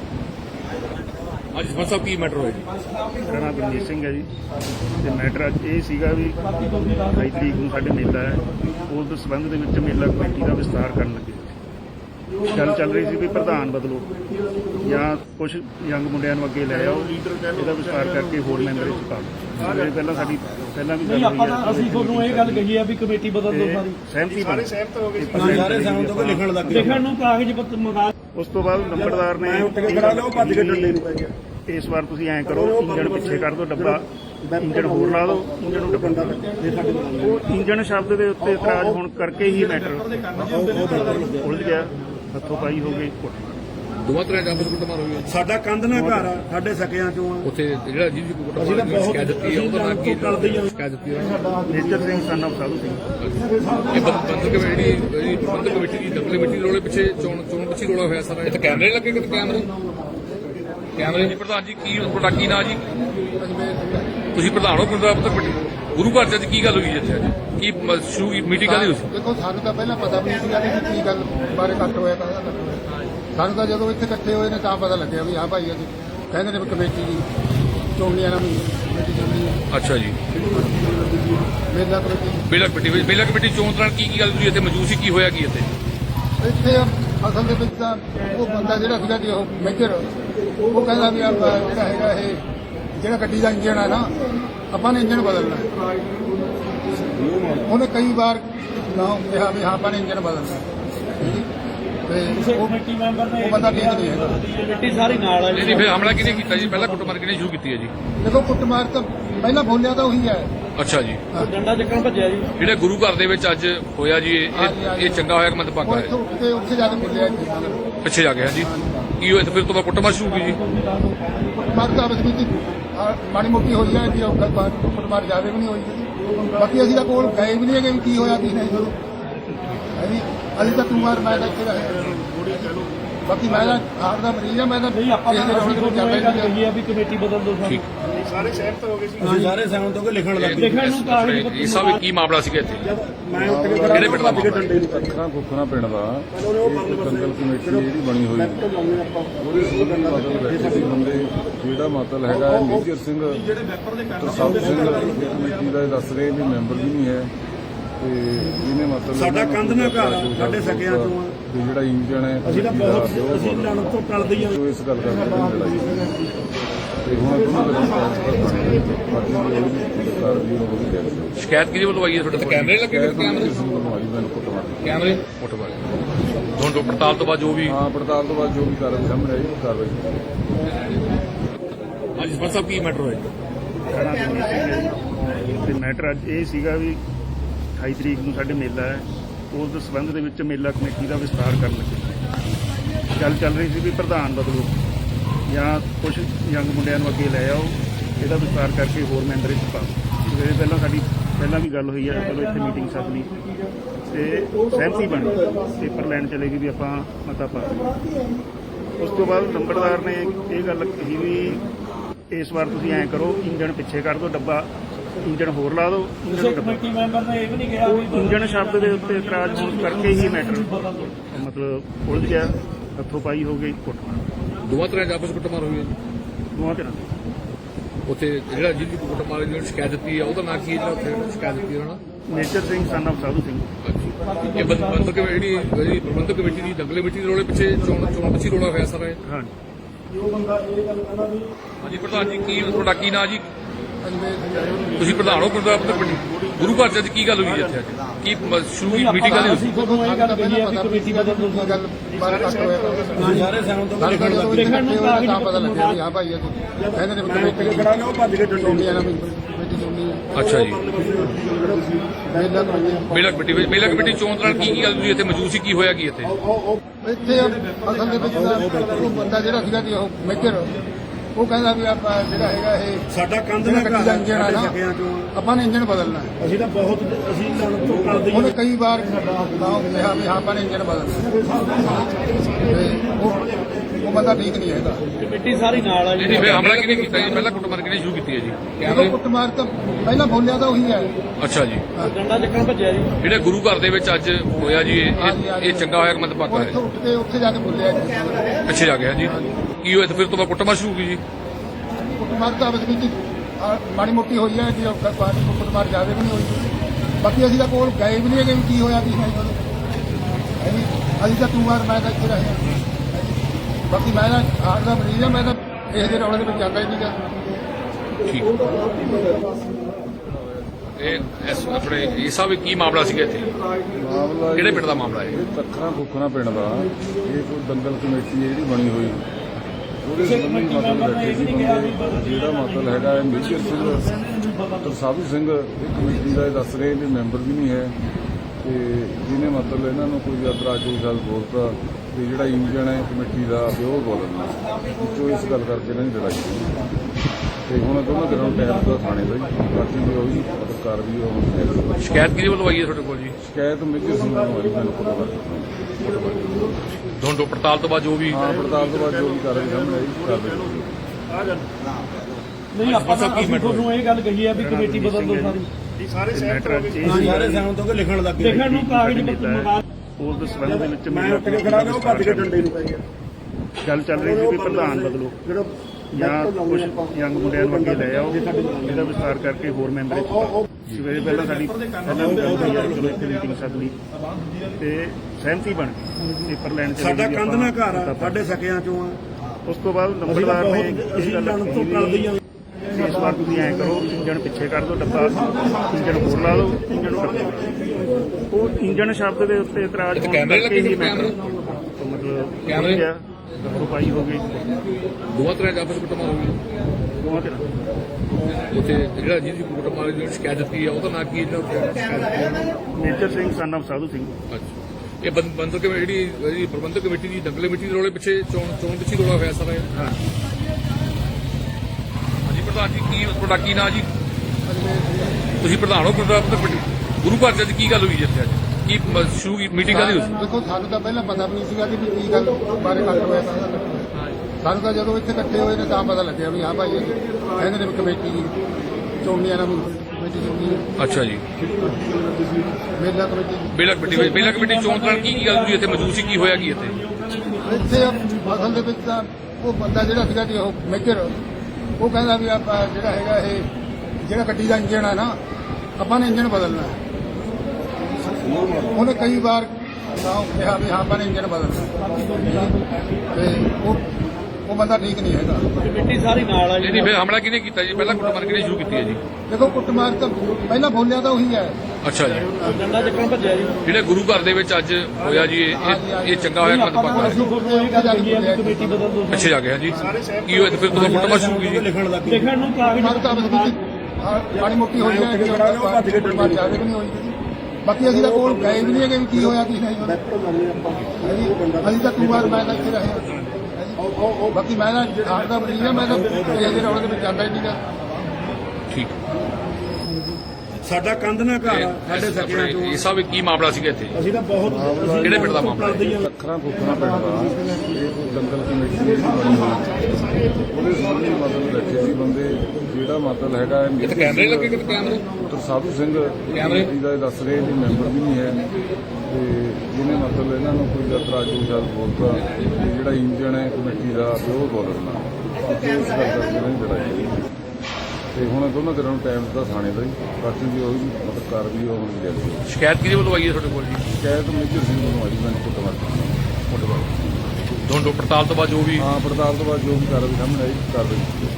[SPEAKER 2] ਅੱਜ ਸਰਪੰਚ ਸਾਹਿਬ ਕੀ ਮੈਟਰ ਹੋਇਆ ਜੀ
[SPEAKER 5] ਮੇਰਾ ਨਾਮ ਰਣਜੀਤ ਸਿੰਘ ਹੈ ਜੀ। ਤੇ ਮੈਟਰ ਅੱਜ ਇਹ ਸੀਗਾ ਵੀ 28 ਤਰੀਕ ਨੂੰ ਸਾਡੇ ਮੇਲਾ ਹੈ, ਉਸ ਸੰਬੰਧ ਦੇ ਵਿੱਚ ਮੇਲਾ ਕਮੇਟੀ ਦਾ ਵਿਸਤਾਰ ਕਰਨ ਲੱਗੇ। ਗੱਲ ਚੱਲ ਰਹੀ ਸੀ ਵੀ ਪ੍ਰਧਾਨ ਬਦਲੋ ਜਾਂ ਕੁਝ ਯੰਗ ਮੁੰਡਿਆਂ ਨੂੰ ਅੱਗੇ ਲੈ ਆਓ, ਇਹਦਾ ਵਿਸਤਾਰ ਕਰਕੇ ਹੋਰ ਮੈਂਬਰ ਇਹ 'ਚ ਪਾ ਦਿਓ। ਇਹ ਪਹਿਲਾਂ ਵੀ
[SPEAKER 3] ਨਹੀਂ
[SPEAKER 5] ਗੱਲ
[SPEAKER 3] ਆਪਾਂ
[SPEAKER 5] ਹੋਈ
[SPEAKER 3] ਤਾਂ
[SPEAKER 5] ਹੈ,
[SPEAKER 3] ਅਸੀਂ ਤੁਹਾਨੂੰ ਇਹ ਗੱਲ ਕਹੀ ਹੈ ਵੀ ਕਮੇਟੀ ਬਦਲ ਦਿਓ
[SPEAKER 5] ਤੇ
[SPEAKER 3] ਸਾਰੀ।
[SPEAKER 5] ਸਹਿਮਤੀ ਬਣ ਗਈ।
[SPEAKER 3] ਸਾਰੇ ਸਾਉਣ ਤੋਂ ਲਿਖਣ ਲੱਗ ਗਏ। ਲਿਖਣ ਨੂੰ ਕਾਗਜ਼ ਪੱਤਰ ਮੰਗਾ
[SPEAKER 5] ਉਸ ਤੋਂ ਬਾਅਦ ਨੰਬਰਦਾਰ ਨੇ
[SPEAKER 3] ਉੱਠ ਕੇ ਖੜਾ ਉਹ ਭੱਜ ਕੇ ਡੰਡੇ ਨੂੰ ਪੈ ਗਿਆ।
[SPEAKER 5] ਇਸ ਵਾਰ ਤੁਸੀਂ ਐਂ ਕਰੋ, ਇੰਜਣ ਪਿੱਛੇ ਕਰ ਦਿਓ, ਡੱਬਾ ਇੰਜਣ ਹੋਰ ਲਾ ਦਿਓ, ਇੰਜਣ ਨੂੰ ਡੱਬਾ ਕਰ ਦਿਓ। ਉਹ ਇੰਜਣ ਸ਼ਬਦ ਦੇ ਉੱਤੇ ਇਤਰਾਜ਼ ਹੋਣ ਕਰਕੇ ਹੀ ਮੈਟਰ ਉਲਝ ਗਿਆ, ਹੱਥੋਂ ਪਾਈ ਹੋ ਗਈ
[SPEAKER 2] ਦੋਵਾਂ ਤਰ੍ਹਾਂ ਦਾ ਕੁੱਟਮਾਰ ਹੋਈ ਹੈ
[SPEAKER 3] ਸਾਡਾ ਕੰਧ ਨਾ ਘਰ ਆ, ਸਾਡੇ ਸਕਿਆਂ ਚੋਂ ਆ।
[SPEAKER 2] ਉੱਥੇ ਜਿਹੜਾ ਜਿਹਦੀ ਕੁੱਟਮਾਰ ਦੀ ਸ਼ਿਕਾਇਤ ਦਿੱਤੀ ਹੈ ਉਹਦਾ ਨਾਂ ਕੀ ਸ਼ਿਕਾਇਤ ਦਿੱਤੀ ਹੈ
[SPEAKER 5] ਮੇਜਰ ਸਿੰਘ son of ਸਾਧੂ ਸਿੰਘ।
[SPEAKER 2] ਇਹ ਬੰਦਕ ਜਿਹੜੀ ਬੰਦਕ ਕਮੇਟੀ ਦੀ ਡਬਲ ਕਮੇਟੀ ਰੋਲੇ ਪਿੱਛੇ ਚੋਣ ਪਿੱਛੇ ਰੋਲਾ ਹੋਇਆ ਸਾਰਾ ਇੱਥੇ ਕੈਮਰੇ ਲੱਗੇ ਕਿਤੇ ਕੈਮਰੇ ਜੀ ਪ੍ਰਧਾਨ ਜੀ ਕੀ ਤੁਹਾਡਾ ਕੀ ਨਾਂ ਜੀ
[SPEAKER 1] ਅਜਮੇਰ ਸਿੰਘ ਹੈ।
[SPEAKER 2] ਤੁਸੀਂ ਪ੍ਰਧਾਨ ਹੋ ਬੰਦਕ ਕਮੇਟੀ ਗੁਰੂ ਘਰ ਚ ਅੱਜ ਕੀ ਗੱਲ ਹੋਈ ਇੱਥੇ ਅੱਜ ਕੀ ਸ਼ੁਰੂ ਮੀਟਿੰਗ ਕਾਹਦੀ ਹੋਈ
[SPEAKER 1] ਦੇਖੋ ਸਾਨੂੰ ਤਾਂ ਪਹਿਲਾਂ ਪਤਾ ਵੀ ਨਹੀਂ ਸੀਗਾ ਕਿ ਕੀ ਗੱਲ ਬਾਰੇ ਇਕੱਠ ਹੋਇਆ ਤਾਂ ਸਾਨੂੰ ਤਾਂ ਜਦੋਂ ਇੱਥੇ ਇਕੱਠੇ ਹੋਏ ਨੇ ਤਾਂ ਪਤਾ ਲੱਗਿਆ ਵੀ ਹਾਂ ਭਾਈ ਜੀ ਕਹਿੰਦੇ ਨੇ ਵੀ ਕਮੇਟੀ ਦੀ ਚੋਣੀਆਂ ਨਾਲ ਕਮੇਟੀ ਚੋਣੀ
[SPEAKER 2] ਅੱਛਾ ਜੀ
[SPEAKER 1] ਮੇਲਾ ਕਮੇਟੀ
[SPEAKER 2] ਬੇਲਾ ਕਮੇਟੀ ਚੋਣ ਦੌਰਾਨ ਕੀ ਗੱਲ ਹੋਈ ਇੱਥੇ ਮੌਜੂਦ ਸੀ ਕੀ ਹੋਇਆ ਕੀ ਇੱਥੇ
[SPEAKER 1] ਇੱਥੇ ਅਸਲ ਦੇ ਵਿੱਚ ਤਾਂ ਉਹ ਬੰਦਾ ਜਿਹੜਾ ਸੀਗਾ ਜੀ ਉਹ ਮੇਜਰ, ਉਹ ਕਹਿੰਦਾ ਵੀ ਆਪਾਂ ਜਿਹੜਾ ਹੈਗਾ ਇਹ ਜਿਹੜਾ ਗੱਡੀ ਦਾ ਇੰਜਣ ਆ ਨਾ ਆਪਾਂ ਨੇ ਇੰਜਣ ਬਦਲਣਾ ਹੈ। ਉਹਨੇ ਕਈ ਵਾਰ ਨਾ ਕਿਹਾ ਵੀ ਹਾਂ ਆਪਾਂ ਨੇ ਇੰਜਣ ਬਦਲਣਾ ਤੇ
[SPEAKER 3] ਕਿਸੇ ਕਮੇਟੀ ਮੈਂਬਰ ਨੇ
[SPEAKER 1] ਉਹ ਬੰਦਾ ਠੀਕ ਨਹੀਂ ਹੈਗਾ।
[SPEAKER 3] ਕਮੇਟੀ ਸਾਰੀ ਨਾਲ ਹੈ।
[SPEAKER 2] ਨਹੀਂ ਫਿਰ ਹਮਲਾ ਕਿਹਨੇ ਕੀਤਾ ਜੀ ਪਹਿਲਾਂ ਕੁੱਟਮਾਰ ਕਿਹਨੇ ਸ਼ੁਰੂ ਕੀਤੀ ਹੈ ਜੀ
[SPEAKER 1] ਦੇਖੋ ਕੁੱਟਮਾਰ ਤਾਂ ਪਹਿਲਾਂ ਬੋਲਿਆ ਤਾਂ ਉਹੀ ਹੈ।
[SPEAKER 2] ਅੱਛਾ ਜੀ
[SPEAKER 3] ਡੰਡਾ ਚੱਕਣ ਭੱਜਿਆ ਜੀ।
[SPEAKER 2] ਜਿਹੜੇ ਗੁਰੂ ਘਰ ਦੇ ਵਿੱਚ ਅੱਜ ਹੋਇਆ ਜੀ ਇਹ ਚੰਗਾ ਹੋਇਆ ਕਿ ਮੰਦਭਾਗਾ
[SPEAKER 1] ਉਹ
[SPEAKER 2] ਹੋਇਆ
[SPEAKER 1] ਉੱਥੇ ਜਾ ਕੇ ਬੋਲਿਆ ਜੀ ਮਗਰ
[SPEAKER 2] ਪਿੱਛੇ ਜਾ ਗਿਆ ਜੀ ਕੀ ਹੋਇਆ ਤੇ ਫਿਰ ਤੋਂ ਬਾਅਦ ਕੁੱਟਮਾਰ ਸ਼ੁਰੂ ਹੋ ਗਈ ਜੀ
[SPEAKER 1] ਕੁੱਟਮਾਰ ਤਾਂ ਬਸ ਵਿੱਚ ਮਾੜੀ ਮੋਟੀ ਹੋਈ ਹੈ ਜੀ ਕੁੱਟਮਾਰ ਜ਼ਿਆਦਾ ਵੀ ਨਹੀਂ ਹੋਈ ਜੀ ਬਾਕੀ ਅਸੀਂ ਤਾਂ ਕੋਲ ਗਏ ਵੀ ਨਹੀਂ ਹੈਗੇ ਵੀ ਕੀ ਹੋਇਆ ਕੀ ਨਹੀਂ ਅਸੀਂ ਤਾਂ ਤੂੰ ਮਾਰ ਮੈਂ ਤਾਂ ਇੱਥੇ ਰਹੇ ਬਾਕੀ ਮੈਂ ਤਾਂ ਹਾਰਟ ਦਾ ਮਰੀਜ਼ ਆ ਮੈਂ ਤਾਂ
[SPEAKER 3] ਨਹੀਂ ਆਪਾਂ
[SPEAKER 1] ਕਿਸੇ ਦੇ ਰੌਲੇ ਵਿੱਚ ਜਾਂਦਾ
[SPEAKER 3] ਇਹ ਗੱਲ
[SPEAKER 1] ਹੀ ਨਹੀਂ
[SPEAKER 3] ਕਹੀ ਆ ਵੀ ਕਮੇਟੀ ਬਦਲ ਦੋ ਸਾਨੂੰ
[SPEAKER 5] ਸਾਰੇ ਸਹਿਮਤ ਹੋ ਗਏ ਸੀ
[SPEAKER 3] ਅਸੀਂ ਸਾਰੇ ਸਹਿਮਤ ਹੋ ਕੇ ਲਿਖਣ ਲੱਗ ਲਿਖਣ ਨੂੰ ਕਾਗਜ਼
[SPEAKER 2] ਇਹ ਸਭ ਕੀ ਮਾਮਲਾ ਸੀਗਾ ਇੱਥੇ
[SPEAKER 5] ਮੈਂ ਉੱਠ ਕੇ
[SPEAKER 2] ਕਿਹੜੇ ਪਿੰਡ ਦਾ ਮਾਮਲਾ ਹੈ?
[SPEAKER 4] ਅੱਖਾਂ ਕੁੱਖਣਾ ਪਿੰਡ ਦਾ ਇੱਕ ਦੰਗਲ ਕਮੇਟੀ ਜਿਹੜੀ ਬਣੀ ਹੋਈ ਉਹਦੇ ਸੰਬੰਧੀ ਮਤਲਬ ਬੈਠੇ ਸੀ ਬੰਦੇ ਜਿਹੜਾ ਮਤਲਬ ਹੈਗਾ ਹੈ ਮੇਜਰ ਸਿੰਘ ਤਰਸਾਲ ਸਿੰਘ ਇਹ ਕਮੇਟੀ ਦਾ ਇਹ ਦੱਸ ਰਹੇ ਵੀ ਮੈਂਬਰ ਵੀ ਨਹੀਂ ਹੈ ਤੇ ਇਹਨੇ ਮਤਲਬ
[SPEAKER 5] ਸਾਡਾ ਕੰਧ ਨਾ ਘਰ ਆ, ਸਾਡੇ ਸਕਿਆਂ ਚੋਂ ਆ।
[SPEAKER 4] ਤੇ ਜਿਹੜਾ ਇੰਜਣ ਹੈ
[SPEAKER 5] ਅਸੀਂ ਤਾਂ ਬਹੁਤ ਅਸੀਂ ਲੜਨ ਤੋਂ ਟਲਦੇ ਹੀ ਆ
[SPEAKER 4] ਜੋ ਇਸ ਗੱਲ ਕਰਕੇ ਲੜਾਈ ਹੋਈ। ਤੇ ਹੁਣ ਦੋਨੋਂ ਤਰ੍ਹਾਂ ਬਾਕੀ ਸਰਕਾਰ ਦੀ ਉਹ ਵੀ ਹੈ
[SPEAKER 2] ਸ਼ਿਕਾਇਤ ਕਿਹਦੇ ਵੱਲੋਂ ਆਈ ਹੈ ਤੁਹਾਡੇ ਤੇ ਕੈਮਰੇ ਲੱਗੇ ਹੋਏ ਕੈਮਰੇ
[SPEAKER 4] ਮੈਨੂੰ ਕੁੱਟਮਾਰ
[SPEAKER 2] ਕੈਮਰੇ ਫੋਟੋਵਾਲ ਦੋਨ ਤੋਂ ਪੜਤਾਲ ਤੋਂ ਬਾਅਦ ਜੋ ਵੀ
[SPEAKER 4] ਹਾਂ ਪੜਤਾਲ ਤੋਂ ਬਾਅਦ ਜੋ ਵੀ ਕਾਰਵਾਈ ਸਾਹਮਣੇ ਆਈ ਉਹ ਕਾਰਵਾਈ
[SPEAKER 2] ਅੱਜ ਸਰਪੰਚ ਸਾਹਿਬ ਕੀ ਮੈਟਰ ਹੋਇਆ
[SPEAKER 5] ਖਾਣਾ ਪੀਣਾ ਸੀਗਾ ਤੇ ਮੈਟਰ ਅੱਜ ਇਹ ਸੀਗਾ ਵੀ 28 ਤਰੀਕ ਨੂੰ ਸਾਡੇ ਮੇਲਾ ਹੈ ਉਸ ਦੇ ਸੰਬੰਧ ਦੇ ਵਿੱਚ ਮੇਲਾ ਕਮੇਟੀ ਦਾ ਵਿਸਤਾਰ ਕਰਨ ਲੱਗੇ ਗੱਲ ਚੱਲ ਰਹੀ ਸੀ ਵੀ ਪ੍ਰਧਾਨ ਬਦਲੋ ਜਾਂ ਕੁਝ ਯੰਗ ਮੁੰਡਿਆਂ ਨੂੰ ਅੱਗੇ ਲੈ ਆਓ ਇਹਦਾ ਵਿਸਤਾਰ ਕਰਕੇ ਹੋਰ ਮੈਂਬਰ ਵਿੱਚ ਪਾਓ ਇਹ ਪਹਿਲਾਂ ਵੀ ਗੱਲ ਹੋਈ ਹੈ ਚਲੋ ਇੱਥੇ ਮੀਟਿੰਗ ਸੱਦ ਲਈ ਤੇ ਸਹਿਮਤੀ ਬਣੀ ਪੇਪਰ ਲੈਣ ਚਲੇ ਗਏ ਵੀ ਆਪਾਂ ਮਤਾ ਪਾ ਦਿਓ। ਉਸ ਤੋਂ ਬਾਅਦ ਨੰਬਰਦਾਰ ਨੇ ਇਹ ਗੱਲ ਕਹੀ ਵੀ ਇਸ ਵਾਰ ਤੁਸੀਂ ਐਂ ਕਰੋ ਇੰਜਣ ਪਿੱਛੇ ਕਰ ਦਿਓ ਡੱਬਾ ਇੰਜਣ ਹੋਰ ਲਾ ਦਿਓ
[SPEAKER 3] ਕਿਸੇ ਕਮੇਟੀ ਮੈਂਬਰ ਨੇ ਇਹ ਵੀ ਨਹੀਂ ਕਿਹਾ ਵੀ
[SPEAKER 5] ਇੰਜਣ ਸ਼ਬਦ ਦੇ ਉੱਤੇ ਇਤਰਾਜ਼ ਹੋਣ ਕਰਕੇ ਹੀ ਮੈਟਰ ਮਤਲਬ ਉਲਝ ਗਿਆ ਹੱਥੋਂ ਪਾਈ ਹੋ ਗਈ ਕੁੱਟਮਾਰ
[SPEAKER 2] ਦੋਵਾਂ ਤਰ੍ਹਾਂ ਆਪਸ ਵਿੱਚ ਕੁੱਟਮਾਰ ਹੋਈ ਹੈ ਜੀ
[SPEAKER 5] ਦੋਵਾਂ ਧਿਰਾਂ
[SPEAKER 2] ਉੱਥੇ ਜਿਹੜਾ ਜਿਹਦੀ ਕੁੱਟਮਾਰ ਦੀ ਸ਼ਿਕਾਇਤ ਦਿੱਤੀ ਹੈ ਉਹਦਾ ਨਾਂ ਕੀ ਹੈ ਜਿਹੜਾ ਉੱਥੇ ਸ਼ਿਕਾਇਤ ਦਿੱਤੀ ਉਹਨਾਂ ਨੇ
[SPEAKER 5] ਮੇਜਰ ਸਿੰਘ ਸਨ ਆਫ ਸਾਧੂ ਸਿੰਘ
[SPEAKER 2] ਇਹ ਬੰਦਕ ਜਿਹੜੀ ਪ੍ਰਬੰਧਕ ਕਮੇਟੀ ਦੀ ਦੰਗਲ ਕਮੇਟੀ ਦੇ ਰੋਲੇ ਪਿੱਛੇ ਚੋਣ ਪਿੱਛੇ ਰੋਲਾ ਹੋਇਆ ਸਾਰਾ ਇਹ
[SPEAKER 5] ਹਾਂਜੀ
[SPEAKER 2] ਹਾਂਜੀ ਪ੍ਰਧਾਨ ਜੀ ਕੀ ਤੁਹਾਡਾ ਕੀ ਨਾਂ ਜੀ ਤੁਸੀਂ ਪ੍ਰਧਾਨ ਹੋ ਪ੍ਰਬੰਧਕ ਕਮੇਟੀ ਗੁਰੂ ਘਰ ਚ ਅੱਜ ਕੀ ਗੱਲ ਹੋਈ ਹੈ ਇੱਥੇ ਅੱਜ ਕੀ ਸ਼ੁਰੂ ਦੀ ਮੀਟਿੰਗ ਕਾਹਦੀ
[SPEAKER 3] ਅਸੀਂ ਤੁਹਾਨੂੰ ਇਹ ਗੱਲ ਕਹੀ ਆ ਵੀ ਕਮੇਟੀ ਬਦਲ ਦੋ ਸਾਨੂੰ
[SPEAKER 1] ਗੱਲ ਬਾਰੇ ਕੱਟ ਹੋਇਆ
[SPEAKER 3] ਅਸੀਂ ਸਾਰੇ ਸਹਿਮਤ ਹੋ ਕੇ ਲਿਖਣ ਲੱਗ ਲਿਖਣ ਨੂੰ
[SPEAKER 1] ਤਾਂ
[SPEAKER 3] ਕਾਗਜ਼
[SPEAKER 1] ਪਤਾ ਲੱਗਿਆ ਵੀ ਹਾਂ ਭਾਈ ਇਹ ਕਹਿੰਦੇ ਨੇ ਕਮੇਟੀ
[SPEAKER 5] ਖੜਾ ਨਾ ਉਹ ਭੱਜ ਕੇ
[SPEAKER 1] ਚੋਣੀ ਆ ਨਾ ਕਮੇਟੀ ਚੋਣੀ ਆ
[SPEAKER 2] ਅੱਛਾ ਜੀ
[SPEAKER 1] ਮੇਲਾ ਕਰਾਉਂਦੇ ਆ
[SPEAKER 2] ਮੇਲਾ ਕਮੇਟੀ ਚੋਣ ਦੌਰਾਨ ਕੀ ਗੱਲ ਤੁਸੀਂ ਇੱਥੇ ਮੌਜੂਦ ਸੀ ਕੀ ਹੋਇਆ ਕੀ ਇੱਥੇ
[SPEAKER 1] ਇੱਥੇ ਅਸਲ ਦੇ ਵਿੱਚ ਉਹ ਬੰਦਾ ਜਿਹੜਾ ਸੀਗਾ ਜੀ ਉਹ ਮੇਜਰ ਉਹ ਕਹਿੰਦਾ ਵੀ ਆਪਾਂ ਜਿਹੜਾ ਹੈਗਾ ਇਹ
[SPEAKER 5] ਸਾਡਾ ਕੰਧ ਨਾ ਘਰ
[SPEAKER 1] ਦਾ ਇੰਜਣ ਆ
[SPEAKER 5] ਸਾਡੇ
[SPEAKER 1] ਨਾ
[SPEAKER 5] ਸਕਿਆਂ ਚੋਂ ਆ।
[SPEAKER 1] ਆਪਾਂ ਨੇ ਇੰਜਣ ਬਦਲਣਾ ਹੈ
[SPEAKER 5] ਅਸੀਂ ਤਾਂ ਬਹੁਤ ਅਸੀਂ ਲੜਨ ਤੋਂ ਟਲਦੇ ਹੀ
[SPEAKER 1] ਉਹਨੇ ਕਈ ਵਾਰ ਨਾਮ ਕਿਹਾ ਵੀ ਹਾਂ ਆਪਾਂ ਨੇ ਇੰਜਣ ਬਦਲਣਾ ਤੇ ਉਹ ਬੰਦਾ ਠੀਕ ਨਹੀਂ ਹੈਗਾ
[SPEAKER 3] ਕਮੇਟੀ ਸਾਰੀ ਨਾਲ ਆ ਜੀ
[SPEAKER 2] ਨਹੀਂ ਫਿਰ ਹਮਲਾ ਕਿਹਨੇ ਕੀਤਾ ਜੀ ਪਹਿਲਾਂ ਕੁੱਟਮਾਰ ਕਿਹਨੇ ਸ਼ੁਰੂ ਕੀਤੀ ਹੈ ਜੀ
[SPEAKER 1] ਜਦੋਂ
[SPEAKER 2] ਕੈਮਰੇ
[SPEAKER 1] ਕੁੱਟਮਾਰ ਤਾਂ ਪਹਿਲਾਂ ਬੋਲਿਆ ਤਾਂ ਉਹੀ ਹੈ
[SPEAKER 2] ਅੱਛਾ ਜੀ
[SPEAKER 3] ਡੰਡਾ ਚੱਕਣ ਭੱਜਿਆ ਜੀ
[SPEAKER 2] ਜਿਹੜੇ ਗੁਰੂ ਘਰ ਦੇ ਵਿੱਚ ਅੱਜ ਹੋਇਆ ਜੀ ਇਹ ਚੰਗਾ ਹੋਇਆ ਕਿ ਮਤਪਾਕਾ
[SPEAKER 1] ਉੱਥੇ
[SPEAKER 2] ਹੈ
[SPEAKER 1] ਉੱਠ ਕੇ ਉੱਥੇ ਜਾ ਕੇ ਬੋਲਿਆ ਜੀ
[SPEAKER 2] ਪਿੱਛੇ ਜਾ ਗਿਆ ਜੀ ਕੀ ਹੋਇਆ ਤੇ ਫਿਰ ਤੋਂ ਬਾਅਦ ਕੁੱਟਮਾਰ ਸ਼ੁਰੂ ਹੋ ਗਈ ਜੀ
[SPEAKER 1] ਕੁੱਟਮਾਰ ਤਾਂ ਬਸ ਵਿੱਚ ਮਾੜੀ ਮੋਟੀ ਹੋਈ ਹੈ ਜੀ ਕੁੱਟਮਾਰ ਜ਼ਿਆਦਾ ਵੀ ਨਹੀਂ ਹੋਈ ਬਾਕੀ ਅਸੀਂ ਤਾਂ ਕੋਲ ਗਏ ਵੀ ਨਹੀਂ ਹੈਗੇ ਵੀ ਕੀ ਹੋਇਆ ਕੀ ਨਹੀਂ ਹੋਇਆ ਅਸੀਂ ਤਾਂ ਤੂੰ ਮਾਰ ਮੈਂ ਤਾਂ ਇੱਥੇ ਰਹੇ ਬਾਕੀ ਮੈਂ ਤਾਂ ਹਾਰਟ ਦਾ ਮਰੀਜ਼ ਆ ਮੈਂ ਤਾਂ ਇਸ ਦੇ ਰੌਲੇ ਦੇ ਵਿੱਚ ਜਾਂਦਾ ਹੀ ਨਹੀਂ ਗਾ
[SPEAKER 2] ਠੀਕ ਇਹ ਇਸ ਆਪਣੇ ਇਹ ਸਭ ਕੀ ਮਾਮਲਾ ਸੀਗਾ ਇੱਥੇ
[SPEAKER 4] ਮਾਮਲਾ
[SPEAKER 2] ਕਿਹੜੇ ਪਿੰਡ ਦਾ ਮਾਮਲਾ ਹੈ
[SPEAKER 4] ਇਹ ਅੱਖਾਂ ਕੁੱਖਣਾ ਪਿੰਡ ਦਾ ਇਹ ਕੋਈ ਦੰਗਲ ਕਮੇਟੀ ਜਿਹੜੀ ਬਣੀ ਹੋਈ ਉਹਦੇ ਸੰਬੰਧੀ ਮਤਲਬ ਬੈਠੇ ਸੀ ਬੰਦੇ ਜਿਹੜਾ ਮਤਲਬ ਹੈਗਾ ਹੈ ਮੇਜਰ ਸਿੰਘ ਤਰਸਾਲ ਸਿੰਘ ਇਹ ਕਮੇਟੀ ਦਾ ਇਹ ਦੱਸ ਰਹੇ ਵੀ ਮੈਂਬਰ ਵੀ ਨਹੀਂ ਹੈ ਤੇ ਜਿਹਨੇ ਮਤਲਬ ਇਹਨਾਂ ਨੂੰ ਕੋਈ ਇਤਰਾਜ਼ ਕੋਈ ਗੱਲ ਬੋਲਤਾ ਤੇ ਜਿਹੜਾ ਇੰਜਣ ਹੈ ਕਮੇਟੀ ਦਾ ਵੀ ਉਹ ਬੋਲਣਾ ਜੋ ਇਸ ਗੱਲ ਕਰਕੇ ਇਹਨਾਂ ਦੀ ਲੜਾਈ ਹੋਈ ਤੇ ਹੁਣ ਦੋਨੋਂ ਤਰ੍ਹਾਂ ਟਾਈਮ ਦਾ ਥਾਣੇ ਦਾ ਜੀ ਬਾਕੀ ਜੋ ਵੀ ਸਰਕਾਰ ਦੀ ਉਹ ਹੈ
[SPEAKER 2] ਸ਼ਿਕਾਇਤ ਕਿਹਦੇ ਵੱਲੋਂ ਆਈ ਹੈ ਤੁਹਾਡੇ ਕੋਲ ਜੀ
[SPEAKER 4] ਸ਼ਿਕਾਇਤ ਮੇਜਰ ਸਿੰਘ ਨੂੰ ਆਈ ਮੈਨੂੰ ਪਤਾ ਲੱਗਾ
[SPEAKER 2] ਦੋਨ ਤੋਂ ਪੜਤਾਲ ਤੋਂ ਬਾਅਦ ਜੋ ਵੀ
[SPEAKER 4] ਹਾਂ ਪੜਤਾਲ ਤੋਂ ਬਾਅਦ ਜੋ ਵੀ ਕਾਰਵਾਈ ਸਾਹਮਣੇ ਆਈ ਉਹ ਕਾਰਵਾਈ
[SPEAKER 3] ਨਹੀਂ ਆਪਾਂ ਅਸੀਂ ਤੁਹਾਨੂੰ ਇਹ ਗੱਲ ਕਹੀ ਆ ਵੀ ਕਮੇਟੀ ਬਦਲ ਦੋ ਸਾਨੂੰ
[SPEAKER 5] ਸਾਰੇ ਸਹਿਮਤ ਹੋ ਗਏ ਸੀ
[SPEAKER 3] ਅਸੀਂ ਸਾਰੇ ਸਹਿਮਤ ਹੋ ਕੇ ਲਿਖਣ ਲੱਗ ਲਿਖਣ ਨੂੰ ਕਾਗਜ਼ ਮੰਗਾ
[SPEAKER 5] ਉਸ ਦੇ ਸੰਬੰਧ ਦੇ ਵਿੱਚ
[SPEAKER 3] ਮੈਂ ਉੱਠ ਕੇ ਖੜਾ ਨਾ ਉਹ ਭੱਜ ਕੇ ਡੰਡੇ ਨੂੰ ਪੈ ਗਿਆ
[SPEAKER 5] ਗੱਲ ਚੱਲ ਰਹੀ ਸੀ ਵੀ ਪ੍ਰਧਾਨ ਬਦਲੋ ਜਾਂ ਕੁਝ ਯੰਗ ਮੁੰਡਿਆਂ ਨੂੰ ਅੱਗੇ ਲੈ ਆਓ ਇਹਦਾ ਵਿਸਤਾਰ ਕਰਕੇ ਹੋਰ ਮੈਂਬਰ ਵਿੱਚ ਪਾਓ ਸਵੇਰੇ ਪਹਿਲਾਂ ਵੀ ਗੱਲ ਹੋਈ ਹੈ ਚਲੋ ਇੱਥੇ ਮੀਟਿੰਗ ਸੱਦ ਲਈ ਤੇ ਸਹਿਮਤੀ ਬਣ ਗਈ ਪੇਪਰ ਲੈਣ ਚਲੇ
[SPEAKER 3] ਸਾਡਾ
[SPEAKER 5] ਗਏ
[SPEAKER 3] ਕੰਧ ਨਾ ਘਰ ਆ ਸਾਡੇ ਸਕਿਆਂ ਚੋਂ ਆ
[SPEAKER 5] ਉਸ ਤੋਂ ਬਾਅਦ ਨੰਬਰਦਾਰ ਨੇ
[SPEAKER 3] ਅਸੀਂ ਲੜਨ ਤੋਂ ਟਲਦੇ ਹੀ ਆ
[SPEAKER 5] ਇਸ ਵਾਰ ਤੁਸੀਂ ਐਂ ਕਰੋ ਇੰਜਣ ਪਿੱਛੇ ਕਰ ਦਿਓ ਡੱਬਾ ਇੰਜਣ ਹੋਰ ਲਾ ਦਿਓ ਇੰਜਣ ਨੂੰ ਡੱਬਾ ਉਹ ਇੰਜਣ ਸ਼ਬਦ ਦੇ ਉੱਤੇ ਇਤਰਾਜ਼ ਹੋਣ
[SPEAKER 2] ਕੈਮਰੇ
[SPEAKER 5] ਕਰਕੇ
[SPEAKER 2] ਲੱਗੇ
[SPEAKER 5] ਹੀ
[SPEAKER 2] ਹੋਏ
[SPEAKER 5] ਮੈਟਰ
[SPEAKER 2] ਕੈਮਰੇ?
[SPEAKER 5] ਮਤਲਬ
[SPEAKER 2] ਕੈਮਰੇ?
[SPEAKER 5] ਗਿਆ ਹੱਥੋਂ ਪਾਈ ਹੋ ਗਈ
[SPEAKER 2] ਦੋਵਾਂ ਤਰ੍ਹਾਂ ਆਪਸ ਵਿੱਚ ਕੁੱਟਮਾਰ ਹੋਈ
[SPEAKER 5] ਦੋਵਾਂ ਧਿਰਾਂ
[SPEAKER 2] ਉੱਥੇ ਜਿਹੜਾ ਜਿਹਦੀ ਕੁੱਟਮਾਰ ਦੀ ਸ਼ਿਕਾਇਤ ਦਿੱਤੀ ਹੈ ਉਹਦਾ ਨਾਂ ਕੀ ਹੈ ਜਿਹੜਾ ਉੱਥੇ ਸ਼ਿਕਾਇਤ ਦਿੱਤੀ ਹੈ?
[SPEAKER 5] ਮੇਜਰ ਸਿੰਘ ਸਨ ਆਫ ਸਾਧੂ ਸਿੰਘ
[SPEAKER 2] ਅੱਛਾ ਇਹ ਬੰਦਕ ਜਿਹੜੀ ਪ੍ਰਬੰਧਕ ਕਮੇਟੀ ਦੀ ਦੰਗਲ ਕਮੇਟੀ ਦੇ ਰੋਲੇ ਪਿੱਛੇ ਚੋਣ ਪਿੱਛੇ ਰੋਲਾ ਹੋਇਆ ਸਾਰਾ ਇਹ।
[SPEAKER 5] ਹਾਂ
[SPEAKER 2] ਹਾਂਜੀ ਪ੍ਰਧਾਨ ਜੀ ਕੀ ਤੁਹਾਡਾ ਕੀ ਨਾਂ ਜੀ? ਤੁਸੀਂ ਪ੍ਰਧਾਨ ਹੋ ਪ੍ਰਬੰਧਕ ਕਮੇਟੀ ਗੁਰੂ ਘਰ 'ਚ ਅੱਜ ਕੀ ਗੱਲ ਹੋਈ ਜੀ ਇੱਥੇ ਅੱਜ ਕੀ ਸ਼ੁਰੂ ਮੀਟਿੰਗ ਕਾਹਦੀ ਹੋਈ ਸੀ?
[SPEAKER 1] ਦੇਖੋ ਸਾਨੂੰ ਤਾਂ ਪਹਿਲਾਂ ਪਤਾ ਵੀ ਨਹੀਂ ਸੀਗਾ ਕਿ ਵੀ ਕੀ ਗੱਲ ਬਾਰੇ ਕੱਟ ਹੋਇਆ ਸਾਨੂੰ ਤਾਂ ਜਦੋਂ ਇੱਥੇ ਇਕੱਠੇ ਹੋਏ ਨੇ ਤਾਂ ਪਤਾ ਲੱਗਿਆ ਵੀ ਹਾਂ ਭਾਈ ਇਹ ਕਹਿੰਦੇ ਨੇ ਵੀ ਕਮੇਟੀ ਚੋਣੀਆਂ ਨਾਲ ਕਮੇਟੀ ਚੋਣੀ
[SPEAKER 2] ਅੱਛਾ ਜੀ
[SPEAKER 1] ਮੇਲਾ ਕਮੇਟੀ
[SPEAKER 2] ਬੇਲਾ ਕਮੇਟੀ ਚੋਣ ਦੌਰਾਨ ਕੀ ਗੱਲ ਹੋਈ ਇੱਥੇ ਮੌਜੂਦ ਸੀ ਕੀ ਹੋਇਆ ਕੀ ਇੱਥੇ?
[SPEAKER 1] ਇੱਥੇ ਅਸਲ ਦੇ ਵਿੱਚ ਤਾਂ ਉਹ ਬੰਦਾ ਜਿਹੜਾ ਸੀਗਾ ਜੀ ਉਹ ਮੇਜਰ ਉਹ ਕਹਿੰਦਾ ਵੀ ਆਪਾਂ ਜਿਹੜਾ ਹੈਗਾ ਇਹ ਜਿਹੜਾ ਗੱਡੀ ਦਾ ਇੰਜਣ ਹੈ ਨਾ ਆਪਾਂ ਨੇ ਇੰਜਣ ਬਦਲਣਾ ਹੈ। ਉਹਨੇ ਕਈ ਵਾਰ ਕਿਹਾ ਵੀ ਹਾਂ ਆਪਾਂ ਨੇ ਇੰਜਣ ਬਦਲਣਾ ਤੇ ਉਹ ਬੰਦਾ ਠੀਕ ਨਹੀਂ ਹੈਗਾ।
[SPEAKER 3] ਕਮੇਟੀ ਸਾਰੀ ਨਾਲ ਆ ਜੀ।
[SPEAKER 2] ਨਹੀਂ ਫਿਰ ਹਮਲਾ ਕਿਹਨੇ ਕੀਤਾ ਜੀ? ਪਹਿਲਾਂ ਕੁੱਟਮਾਰ ਕਿਹਨੇ ਸ਼ੁਰੂ ਕੀਤੀ ਹੈ ਜੀ?
[SPEAKER 1] ਦੇਖੋ ਕੁੱਟਮਾਰ ਤਾਂ ਪਹਿਲਾਂ ਬੋਲਿਆ ਤਾਂ ਉਹੀ ਹੈ।
[SPEAKER 2] ਅੱਛਾ ਜੀ
[SPEAKER 3] ਡੰਡਾ ਚੱਕਣ ਭੱਜਿਆ ਜੀ।
[SPEAKER 2] ਜਿਹੜੇ ਗੁਰੂ ਘਰ ਦੇ ਵਿੱਚ ਅੱਜ ਹੋਇਆ ਜੀ ਇਹ ਚੰਗਾ ਹੋਇਆ ਕਦ ਪੱਕਾ
[SPEAKER 3] ਅਸੀਂ ਤੁਹਾਨੂੰ ਇਹ ਗੱਲ ਕਹੀ ਹੈ ਵੀ ਕਮੇਟੀ ਬਦਲ ਦੋ।
[SPEAKER 2] ਪਿੱਛੇ ਜਾ ਗਿਆ ਜੀ ਕੀ ਹੋਇਆ ਤੇ ਫਿਰ ਤੁਹਾਨੂੰ ਕੁੱਟਮਾਰ ਸ਼ੁਰੂ ਹੋਈ ਜੀ?
[SPEAKER 3] ਲਿਖਣ ਨੂੰ ਕਾਗਜ਼
[SPEAKER 1] ਕੁੱਟਮਾਰ ਤਾਂ ਬਸ ਕੀਤੀ ਮਾੜੀ ਮੋਟੀ ਹੋਈ ਹੈ ਕੁੱਟਮਾਰ ਜ਼ਿਆਦਾ ਵੀ ਨਹੀਂ ਹੋਈ ਬਾਕੀ ਅਸੀਂ ਤਾਂ ਕੋਲ ਗਏ ਵੀ ਨਹੀਂ ਹੈਗੇ ਵੀ ਕੀ ਹੋਇਆ ਕੀ ਨਹੀਂ ਹੋਇਆ। ਅਸੀਂ ਤਾਂ ਤੂੰ ਵਾਰ ਮੈਂ ਤਾਂ ਇੱਥੇ ਰਹੇ ਬਾਕੀ ਮੈਂ ਤਾਂ ਹਾਰ ਦਾ ਮਰੀਜ਼ ਹਾਂ ਮੈਂ ਤਾਂ ਕਿਸੇ ਦੇ ਰੌਲੇ ਦੇ ਵਿੱਚ ਜਾਂਦਾ ਹੀ ਨਹੀਂਗਾ।
[SPEAKER 2] ਠੀਕ
[SPEAKER 5] ਸਾਡਾ ਕੰਧ ਨਾ ਘਰ ਆ, ਸਾਡੇ ਸਕਿਆਂ ਚੋਂ
[SPEAKER 2] ਇਹ ਸਭ ਕੀ ਮਾਮਲਾ ਸੀਗਾ ਇੱਥੇ?
[SPEAKER 5] ਅਸੀਂ ਤਾਂ ਬਹੁਤ
[SPEAKER 2] ਕਿਹੜੇ ਪਿੰਡ ਦਾ ਮਾਮਲਾ?
[SPEAKER 4] ਅੱਖਰਾਂ ਫੁੱਕਣਾ ਪਿੰਡ ਦਾ ਇਹ ਦੰਗਲ ਕਮੇਟੀ ਜਿਹੜੀ ਬਣੀ ਹੋਈ ਉਹਦੇ ਸੰਬੰਧੀ ਮਤਲਬ ਬੈਠੇ ਸੀ ਬੰਦੇ ਜਿਹੜਾ ਮਤਲਬ ਹੈਗਾ
[SPEAKER 2] ਇੱਥੇ ਕੈਮਰੇ ਲੱਗੇ ਕਿਤੇ ਕੈਮਰੇ?
[SPEAKER 4] ਪੁੱਤਰ ਸਾਧੂ ਸਿੰਘ ਕਮੇਟੀ ਦਾ ਇਹ ਦੱਸ ਰਹੇ ਵੀ ਮੈਂਬਰ ਵੀ ਨਹੀਂ ਹੈ ਤੇ ਜਿਹਨੇ ਮਤਲਬ ਇਹਨਾਂ ਨੂੰ ਕੋਈ ਇਤਰਾਜ਼ੂ ਜਾਂ ਬੋਲਤਾ ਵੀ ਜਿਹੜਾ ਇੰਜਣ ਹੈ ਕਮੇਟੀ ਦਾ ਵੀ ਉਹ ਬੋਲਣਾ ਇਸ ਕਰਕੇ ਇਹਨਾਂ ਦੀ ਲੜਾਈ ਹੋਈ। ਤੇ ਹੁਣ ਦੋਨਾਂ ਧਿਰਾਂ ਨੂੰ ਟਾਈਮ ਦਿੱਤਾ ਥਾਣੇ ਦਾ ਹੀ ਬਾਕੀ ਦੀ ਉਹ ਵੀ ਮਤਲਬ ਕਾਰਵਾਈ ਉਹ ਹੁਣ ਜਾਂਦੀ ਹੈ।
[SPEAKER 2] ਸ਼ਿਕਾਇਤ ਕਿਹਦੇ ਵੱਲੋਂ ਆਈ ਹੈ ਤੁਹਾਡੇ ਕੋਲ ਜੀ?
[SPEAKER 4] ਸ਼ਿਕਾਇਤ ਮੇਜਰ ਸਿੰਘ ਨੂੰ ਆਈ ਮੈਨੂੰ ਕੁੱਟਮਾਰ
[SPEAKER 2] ਦੋਨੋਂ ਪੜਤਾਲ ਤੋਂ ਬਾਅਦ ਜੋ ਵੀ
[SPEAKER 4] ਹਾਂ ਪੜਤਾਲ ਤੋਂ ਬਾਅਦ ਜੋ ਵੀ ਕਾਰਵਾਈ ਸਾਹਮਣੇ ਆਈ ਕਾਰਵਾਈ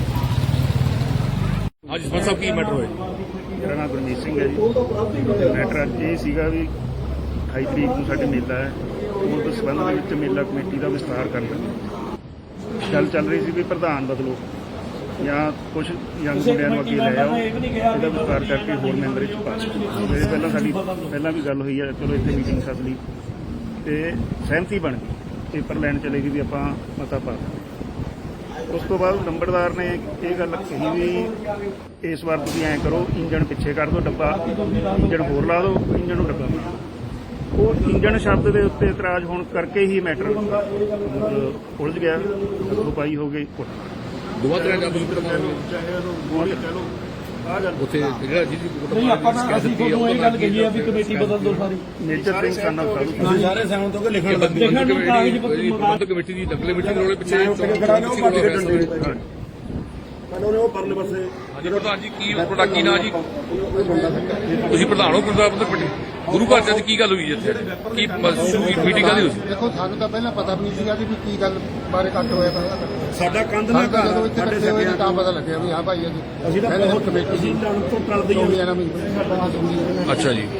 [SPEAKER 2] ਅੱਜ ਸਰਪੰਚ ਸਾਹਿਬ ਕੀ ਮੈਟਰ ਹੋਇਆ?
[SPEAKER 5] ਮੇਰਾ ਨਾਮ ਗੁਰਮੀਤ ਸਿੰਘ ਹੈ ਜੀ। ਮੈਟਰ ਅੱਜ ਇਹ ਸੀਗਾ ਵੀ 28 ਤਰੀਕ ਨੂੰ ਸਾਡੇ ਮੇਲਾ ਹੈ ਉਸ ਸੰਬੰਧ ਦੇ ਵਿੱਚ ਮੇਲਾ ਕਮੇਟੀ ਦਾ ਵਿਸਤਾਰ ਕਰਨਾ ਗੱਲ ਚੱਲ ਰਹੀ ਸੀ ਵੀ ਪ੍ਰਧਾਨ ਬਦਲੋ ਜਾਂ ਕੁਝ ਯੰਗ ਮੁੰਡਿਆਂ ਨੂੰ ਅੱਗੇ ਲੈ ਆਓ ਇਹਦਾ ਵਿਸਤਾਰ ਕਰਕੇ ਹੋਰ ਮੈਂਬਰ ਵਿੱਚ ਪਾ ਦਿਓ। ਇਹ ਪਹਿਲਾਂ ਵੀ ਗੱਲ ਹੋਈ ਹੈ ਚਲੋ ਇੱਥੇ ਮੀਟਿੰਗ ਸੱਦ ਲਈ ਤੇ ਸਹਿਮਤੀ ਬਣ ਗਈ ਪੇਪਰ ਲੈਣ ਚਲੇ ਗਈ ਵੀ ਆਪਾਂ ਮਤਾ ਪਾ ਦਿੰਦੇ। ਉਸ ਤੋਂ ਬਾਅਦ ਨੰਬਰਦਾਰ ਨੇ ਇਹ ਗੱਲ ਕਹੀ ਵੀ ਇਸ ਵਾਰ ਤੁਸੀਂ ਐਂ ਕਰੋ ਇੰਜਣ ਪਿੱਛੇ ਕਰ ਦਿਓ ਡੱਬਾ ਇੰਜਣ ਹੋਰ ਲਾ ਦਿਓ ਇੰਜਣ ਨੂੰ ਡੱਬਾ ਬਣਾ ਦਿਓ। ਉਹ ਇੰਜਣ ਸ਼ਬਦ ਦੇ ਉੱਤੇ ਇਤਰਾਜ਼ ਹੋਣ ਕਰਕੇ ਹੀ ਮੈਟਰ ਉਲਝ ਗਿਆ ਹੱਥੋਂ ਪਾਈ ਹੋ ਗਈ ਕੁੱਟ
[SPEAKER 2] ਦੋਵਾਂ ਤਰ੍ਹਾਂ ਦਾ ਤੁਸੀਂ ਕੁੱਟਮਾਰ ਹੋਈ ਉੱਥੇ ਜਿਹੜਾ ਜੀ
[SPEAKER 3] ਨਹੀਂ ਆਪਾਂ ਤਾਂ ਅਸੀਂ ਤੁਹਾਨੂੰ ਇਹ ਗੱਲ ਕਹੀ ਹੈ ਵੀ ਕਮੇਟੀ ਬਦਲ ਦੋ ਸਾਰੀ।
[SPEAKER 5] ਮੇਜਰ ਸਿੰਘ ਸਾਨਾ ਸਾਧੂ
[SPEAKER 3] ਸਾਰੇ ਸਹਿਮਤ ਹੋ ਕੇ ਲਿਖਣ ਨੂੰ ਕਾਗਜ਼
[SPEAKER 2] ਪ੍ਰਬੰਧਕ ਕਮੇਟੀ ਦੀ ਦੰਗਲ ਕਮੇਟੀ ਦੇ ਰੋਲੇ ਪਿੱਛੇ ਚੋਣ ਪਿੱਛੇ ਰੌਲਾ ਹੋਇਆ ਸਾਰਾ ਇਹ।
[SPEAKER 5] ਉਹ ਪਰਲੇ ਪਾਸੇ
[SPEAKER 2] ਹਾਂਜੀ ਪ੍ਰਧਾਨ ਜੀ ਕੀ ਤੁਹਾਡਾ ਕੀ ਨਾਂ ਜੀ? ਤੁਸੀਂ ਪ੍ਰਧਾਨ ਹੋ ਪ੍ਰਬੰਧਕ ਕਮੇਟੀ ਗੁਰੂ ਘਰ 'ਚ ਅੱਜ ਕੀ ਗੱਲ ਹੋਈ ਜੀ ਇੱਥੇ ਕੀ ਸ਼ੁਰੂ ਮੀਟਿੰਗ ਕਾਹਦੀ ਹੋਈ ਸੀ?
[SPEAKER 1] ਦੇਖੋ ਸਾਨੂੰ ਤਾਂ ਪਹਿਲਾਂ ਪਤਾ ਵੀ ਨਹੀਂ ਸੀਗਾ ਕਿ ਵੀ ਕੀ ਗੱਲ ਬਾਰੇ ਕੱਟ ਹੋਇਆ
[SPEAKER 5] ਸਾਡਾ ਕੰਧ ਨਾ ਘਰ
[SPEAKER 1] ਜਦੋਂ
[SPEAKER 5] ਆ,
[SPEAKER 1] ਇੱਥੇ
[SPEAKER 5] ਸਾਡੇ
[SPEAKER 1] ਇਕੱਠੇ ਹੋਏ ਨੇ
[SPEAKER 5] ਸਕਿਆਂ
[SPEAKER 1] ਤਾਂ
[SPEAKER 5] ਚੋਂ
[SPEAKER 1] ਪਤਾ ਲੱਗਿਆ ਵੀ ਹਾਂ ਭਾਈ
[SPEAKER 5] ਅਸੀਂ ਤਾਂ ਬਹੁਤ
[SPEAKER 1] ਕਮੇਟੀ
[SPEAKER 5] ਅਸੀਂ ਲੜਨ ਤੋਂ ਟਲਦੇ ਹੀ
[SPEAKER 1] ਚੋਣੀਆਂ ਨਾਲ
[SPEAKER 2] ਅੱਛਾ ਜੀ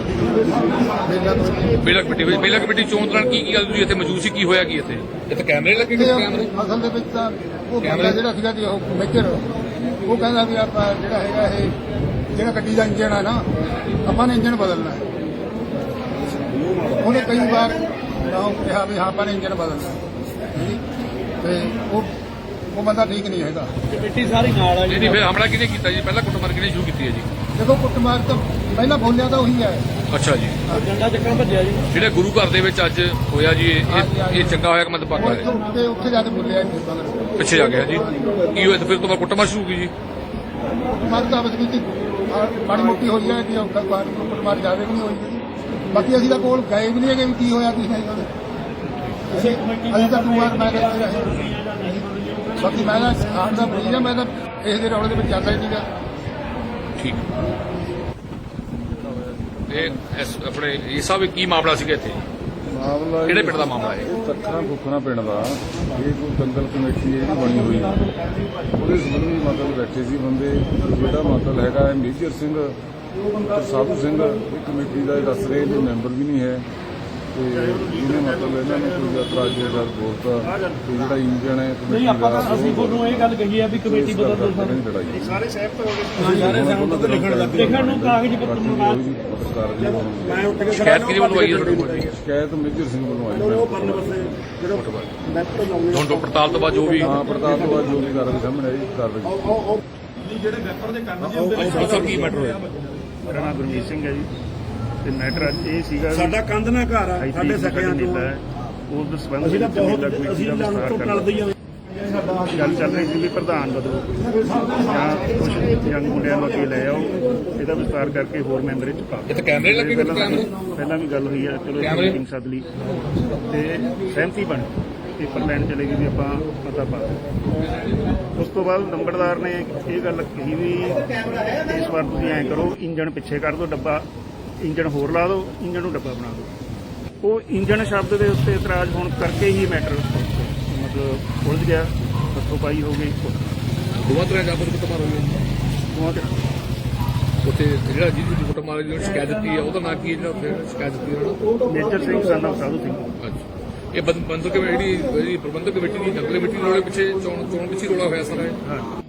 [SPEAKER 1] ਮੇਲਾ ਕਮੇਟੀ
[SPEAKER 2] ਬੇਲਾ ਕਮੇਟੀ ਚੋਣ ਦੌਰਾਨ ਕੀ ਗੱਲ ਹੋਈ ਇੱਥੇ ਮੌਜੂਦ ਸੀ ਕੀ ਹੋਇਆ ਕੀ ਇੱਥੇ? ਇੱਥੇ ਕੈਮਰੇ ਲੱਗੇ ਕਿਤੇ ਕੈਮਰੇ?
[SPEAKER 1] ਅਸਲ ਦੇ ਵਿੱਚ ਤਾਂ ਉਹ ਬੰਦਾ ਜਿਹੜਾ ਸੀਗਾ ਜੀ ਉਹ ਮੇਜਰ ਉਹ ਕਹਿੰਦਾ ਵੀ ਆਪਾਂ ਜਿਹੜਾ ਹੈਗਾ ਇਹ ਜਿਹੜਾ ਗੱਡੀ ਦਾ ਇੰਜਣ ਹੈ ਨਾ ਆਪਾਂ ਨੇ ਇੰਜਣ ਬਦਲਣਾ ਹੈ। ਉਹਨੇ ਕਈ ਵਾਰ ਕਿਹਾ ਵੀ ਹਾਂ ਆਪਾਂ ਨੇ ਇੰਜਣ ਬਦਲਣਾ ਤੇ ਉਹ ਬੰਦਾ ਠੀਕ ਨਹੀਂ ਹੈਗਾ।
[SPEAKER 3] ਕਮੇਟੀ ਸਾਰੀ ਨਾਲ ਆ ਜੀ।
[SPEAKER 2] ਨਹੀਂ ਫਿਰ ਹਮਲਾ ਕਿਹਨੇ ਕੀਤਾ ਜੀ? ਪਹਿਲਾਂ ਕੁੱਟਮਾਰ ਕਿਹਨੇ ਸ਼ੁਰੂ ਕੀਤੀ ਹੈ ਜੀ?
[SPEAKER 1] ਦੇਖੋ ਕੁੱਟਮਾਰ ਤਾਂ ਪਹਿਲਾਂ ਬੋਲਿਆ ਤਾਂ ਉਹੀ ਹੈ।
[SPEAKER 2] ਅੱਛਾ ਜੀ
[SPEAKER 3] ਡੰਡਾ ਚੱਕਣ ਭੱਜਿਆ ਜੀ।
[SPEAKER 2] ਜਿਹੜੇ ਗੁਰੂ ਘਰ ਦੇ ਵਿੱਚ ਅੱਜ ਹੋਇਆ ਜੀ ਇਹ ਚੰਗਾ ਹੋਇਆ ਕਿ ਮਤ ਪੱਕਾ ਹੋਇਆ?
[SPEAKER 1] ਉੱਥੇ ਜਾ ਕੇ ਬੋਲਿਆ ਜੀ
[SPEAKER 2] ਪਿੱਛੇ ਜਾ ਗਿਆ ਜੀ ਕੀ ਹੋਇਆ ਤੇ ਫਿਰ ਤੋਂ ਕੁੱਟਮਾਰ ਸ਼ੁਰੂ ਹੋਈ ਜੀ?
[SPEAKER 1] ਕੁੱਟਮਾਰ ਤਾਂ ਬਸ ਕੀਤੀ ਮਾੜੀ ਮੋਟੀ ਹੋਈ ਹੈ ਕਿ ਕੁੱਟਮਾਰ ਜ਼ਿਆਦਾ ਵੀ ਨਹੀਂ ਹੋਈ ਬਾਕੀ ਅਸੀਂ ਤਾਂ ਕੋਲ ਗਏ ਵੀ ਨਹੀਂ ਹੈਗੇ ਵੀ ਕੀ ਹੋਇਆ ਕੀ ਨਹੀਂ ਹੋਇਆ। ਅਸੀਂ ਤਾਂ ਤੂੰ ਵਾਰ ਮੈਂ ਤਾਂ ਇੱਥੇ ਰਹੇ ਬਾਕੀ ਮੈਂ ਤਾਂ ਹਾਰ ਦਾ ਮਰੀਜ਼ ਹਾਂ ਮੈਂ ਤਾਂ ਕਿਸੇ ਦੇ ਰੌਲੇ ਦੇ ਵਿੱਚ ਜਾਂਦਾ ਹੀ ਨਹੀਂਗਾ।
[SPEAKER 2] ਠੀਕ ਇਹ ਆਪਣੇ ਇਹ ਸਭ ਕੀ ਮਾਮਲਾ ਸੀਗਾ ਇੱਥੇ?
[SPEAKER 4] ਮਾਮਲਾ
[SPEAKER 2] ਕਿਹੜੇ ਪਿੰਡ ਦਾ ਮਾਮਲਾ ਹੈ?
[SPEAKER 4] ਇਹ ਅੱਖਰਾਂ ਫੁੱਕਣਾ ਪਿੰਡ ਦਾ ਇਹ ਕੋਈ ਦੰਗਲ ਕਮੇਟੀ ਜਿਹੜੀ ਬਣੀ ਹੋਈ ਉਹਦੇ ਸੰਬੰਧੀ ਮਤਲਬ ਬੈਠੇ ਸੀ ਬੰਦੇ ਜਿਹੜਾ ਮਤਲਬ ਹੈਗਾ ਮੇਜਰ ਸਿੰਘ ਪੁੱਤਰ ਸਾਧੂ ਸਿੰਘ ਇਹ ਕਮੇਟੀ ਦਾ ਇਹ ਦੱਸ ਰਹੇ ਵੀ ਮੈਂਬਰ ਵੀ ਨਹੀਂ ਹੈ ਤੇ ਇਹਨੇ ਮਤਲਬ ਇਹਨਾਂ ਨੇ ਕੋਈ ਇਤਰਾਜ਼ੀ ਗੱਲ ਬੋਲਤਾ ਤੇ ਜਿਹੜਾ ਇੰਜਣ ਹੈ
[SPEAKER 3] ਨਹੀਂ ਆਪਾਂ ਤਾਂ ਅਸੀਂ ਤੁਹਾਨੂੰ ਇਹ ਗੱਲ ਕਹੀ ਹੈ ਵੀ ਕਮੇਟੀ ਬਦਲ ਦਿਓ ਸਰ
[SPEAKER 4] ਲੜਾਈ
[SPEAKER 5] ਸਾਰੇ ਸਹਿਮਤ ਹੋ ਗਏ
[SPEAKER 3] ਸਾਰੇ ਸਹਿਮਤ ਲਿਖਣ ਨੂੰ ਕਾਗਜ਼ ਪੱਤਰ ਮੰਗਾ
[SPEAKER 5] ਮੈਂ ਉੱਠ ਕੇ
[SPEAKER 2] ਸ਼ਿਕਾਇਤ ਕਿਹਦੇ ਵੱਲੋਂ ਆਈ ਹੈ ਤੁਹਾਡੇ ਕੋਲ ਜੀ?
[SPEAKER 4] ਸ਼ਿਕਾਇਤ ਮੇਜਰ ਸਿੰਘ ਵੱਲੋਂ ਆਈ ਹੈ।
[SPEAKER 5] ਪਰਲੇ ਪਾਸੇ ਜਿਹੜਾ ਨੈਟ ਲਾਉਂਦੇ
[SPEAKER 2] ਹੁਣ ਤੋਂ ਪੜਤਾਲ ਤੋਂ ਬਾਅਦ ਜੋ ਵੀ
[SPEAKER 4] ਹਾਂ ਪੜਤਾਲ ਤੋਂ ਬਾਅਦ ਜੋ ਵੀ ਕਾਰਵਾਈ ਸਾਹਮਣੇ ਆਈ ਕਾਰਵਾਈ
[SPEAKER 3] ਜਿਹੜੇ ਵੈਪਰ ਦੇ ਕੰਨ
[SPEAKER 2] ਸਭ ਕੀ ਮੈਟਰ ਹੋਇਆ
[SPEAKER 5] ਮੇਰਾ ਨਾਮ ਗੁਰਮੀਤ ਸਿੰਘ ਹੈ ਜੀ ਤੇ ਮੈਟਰ ਅੱਜ ਇਹ ਸੀਗਾ
[SPEAKER 3] ਸਾਡਾ ਕੰਧ ਨਾ ਘਰ ਆ ਸਾਡੇ ਸਕਿਆਂ ਚੋਂ
[SPEAKER 5] ਉਸ ਸੰਬੰਧ
[SPEAKER 3] ਅਸੀਂ ਤਾਂ
[SPEAKER 5] ਵਿੱਚ ਮੇਲਾ
[SPEAKER 3] ਬਹੁਤ
[SPEAKER 5] ਕਮੇਟੀ
[SPEAKER 3] ਅਸੀਂ
[SPEAKER 5] ਦਾ
[SPEAKER 3] ਲੰਨ
[SPEAKER 5] ਵਿਸਤਾਰ
[SPEAKER 3] ਤੋਂ
[SPEAKER 5] ਕਰਨਾ।
[SPEAKER 3] ਟਲਦੇ ਹਾਂ
[SPEAKER 5] ਗੱਲ ਚੱਲ ਰਹੀ ਸੀ ਵੀ ਪ੍ਰਧਾਨ ਬਦਲੋ ਜਾਂ ਕੁਝ ਯੰਗ ਮੁੰਡਿਆਂ ਨੂੰ ਅੱਗੇ ਲੈ ਆਓ ਇਹਦਾ ਵਿਸਤਾਰ ਕਰਕੇ ਹੋਰ ਮੈਂਬਰ ਇਹ ਚ ਪਾ
[SPEAKER 2] ਇਹ ਤਾਂ ਕੈਮਰੇ ਲੱਗੇ ਕਿ ਕੈਮਰੇ
[SPEAKER 5] ਪਹਿਲਾਂ ਵੀ ਗੱਲ ਹੋਈ ਹੈ ਚਲੋ
[SPEAKER 2] ਕੈਮਰੇ?
[SPEAKER 5] ਮੀਟਿੰਗ ਸੱਦ ਲਈ ਤੇ ਸਹਿਮਤੀ ਬਣੀ ਪੇਪਰ ਲੈਣ ਚਲੇ ਗਏ ਵੀ ਆਪਾਂ ਪਤਾ ਪਾ ਦਿਓ। ਉਸ ਤੋਂ ਬਾਅਦ ਨੰਬਰਦਾਰ ਨੇ ਇਹ ਗੱਲ ਕਹੀ ਵੀ ਇਸ ਵਾਰ ਤੁਸੀਂ ਐਂ ਕਰੋ ਇੰਜਣ ਪਿੱਛੇ ਕਰ ਦਿਓ ਡੱਬਾ ਇੰਜਣ ਹੋਰ ਲਾ ਦਿਓ ਇੰਜਣ ਨੂੰ ਡੱਬਾ ਬਣਾ ਦਿਓ। ਉਹ ਇੰਜਣ ਸ਼ਬਦ ਦੇ ਉੱਤੇ ਇਤਰਾਜ਼ ਹੋਣ ਕਰਕੇ ਹੀ ਮੈਟਰ ਮਤਲਬ ਉਲਝ ਗਿਆ ਹੱਥੋਂ ਪਾਈ ਹੋ ਗਈ
[SPEAKER 2] ਦੋਵਾਂ ਤਰ੍ਹਾਂ ਦਾ ਕੁੱਟ ਮਾਰ ਹੋਈ ਹੈ
[SPEAKER 5] ਦੋਵਾਂ ਤੇ
[SPEAKER 2] ਉੱਥੇ ਜਿਹੜਾ ਜਿਹਦੀ ਕੁੱਟ ਮਾਰ ਜਿਹੜੀ ਸ਼ਿਕਾਇਤ ਦਿੱਤੀ ਹੈ ਉਹਦਾ ਨਾਂ ਕੀ ਹੈ ਜਿਹੜਾ ਉੱਥੇ ਸ਼ਿਕਾਇਤ ਦਿੱਤੀ ਹੈ ਉਹਨਾਂ
[SPEAKER 5] ਮੇਜਰ ਸਿੰਘ ਸਾਡਾ ਸਾਧੂ ਸਿੰਘ
[SPEAKER 2] ਅੱਛਾ ਇਹ ਬੰਦਕ ਕਮੇਟੀ ਜਿਹੜੀ ਪ੍ਰਬੰਧਕ ਕਮੇਟੀ ਦੀ ਨਕਲ ਕਮੇਟੀ ਦੇ ਰੋਲੇ ਪਿੱਛੇ ਚੋਣ ਪਿੱਛੇ ਰੋਲਾ ਹੋਇਆ ਸਾਰਾ ਇਹ
[SPEAKER 5] ਹਾਂ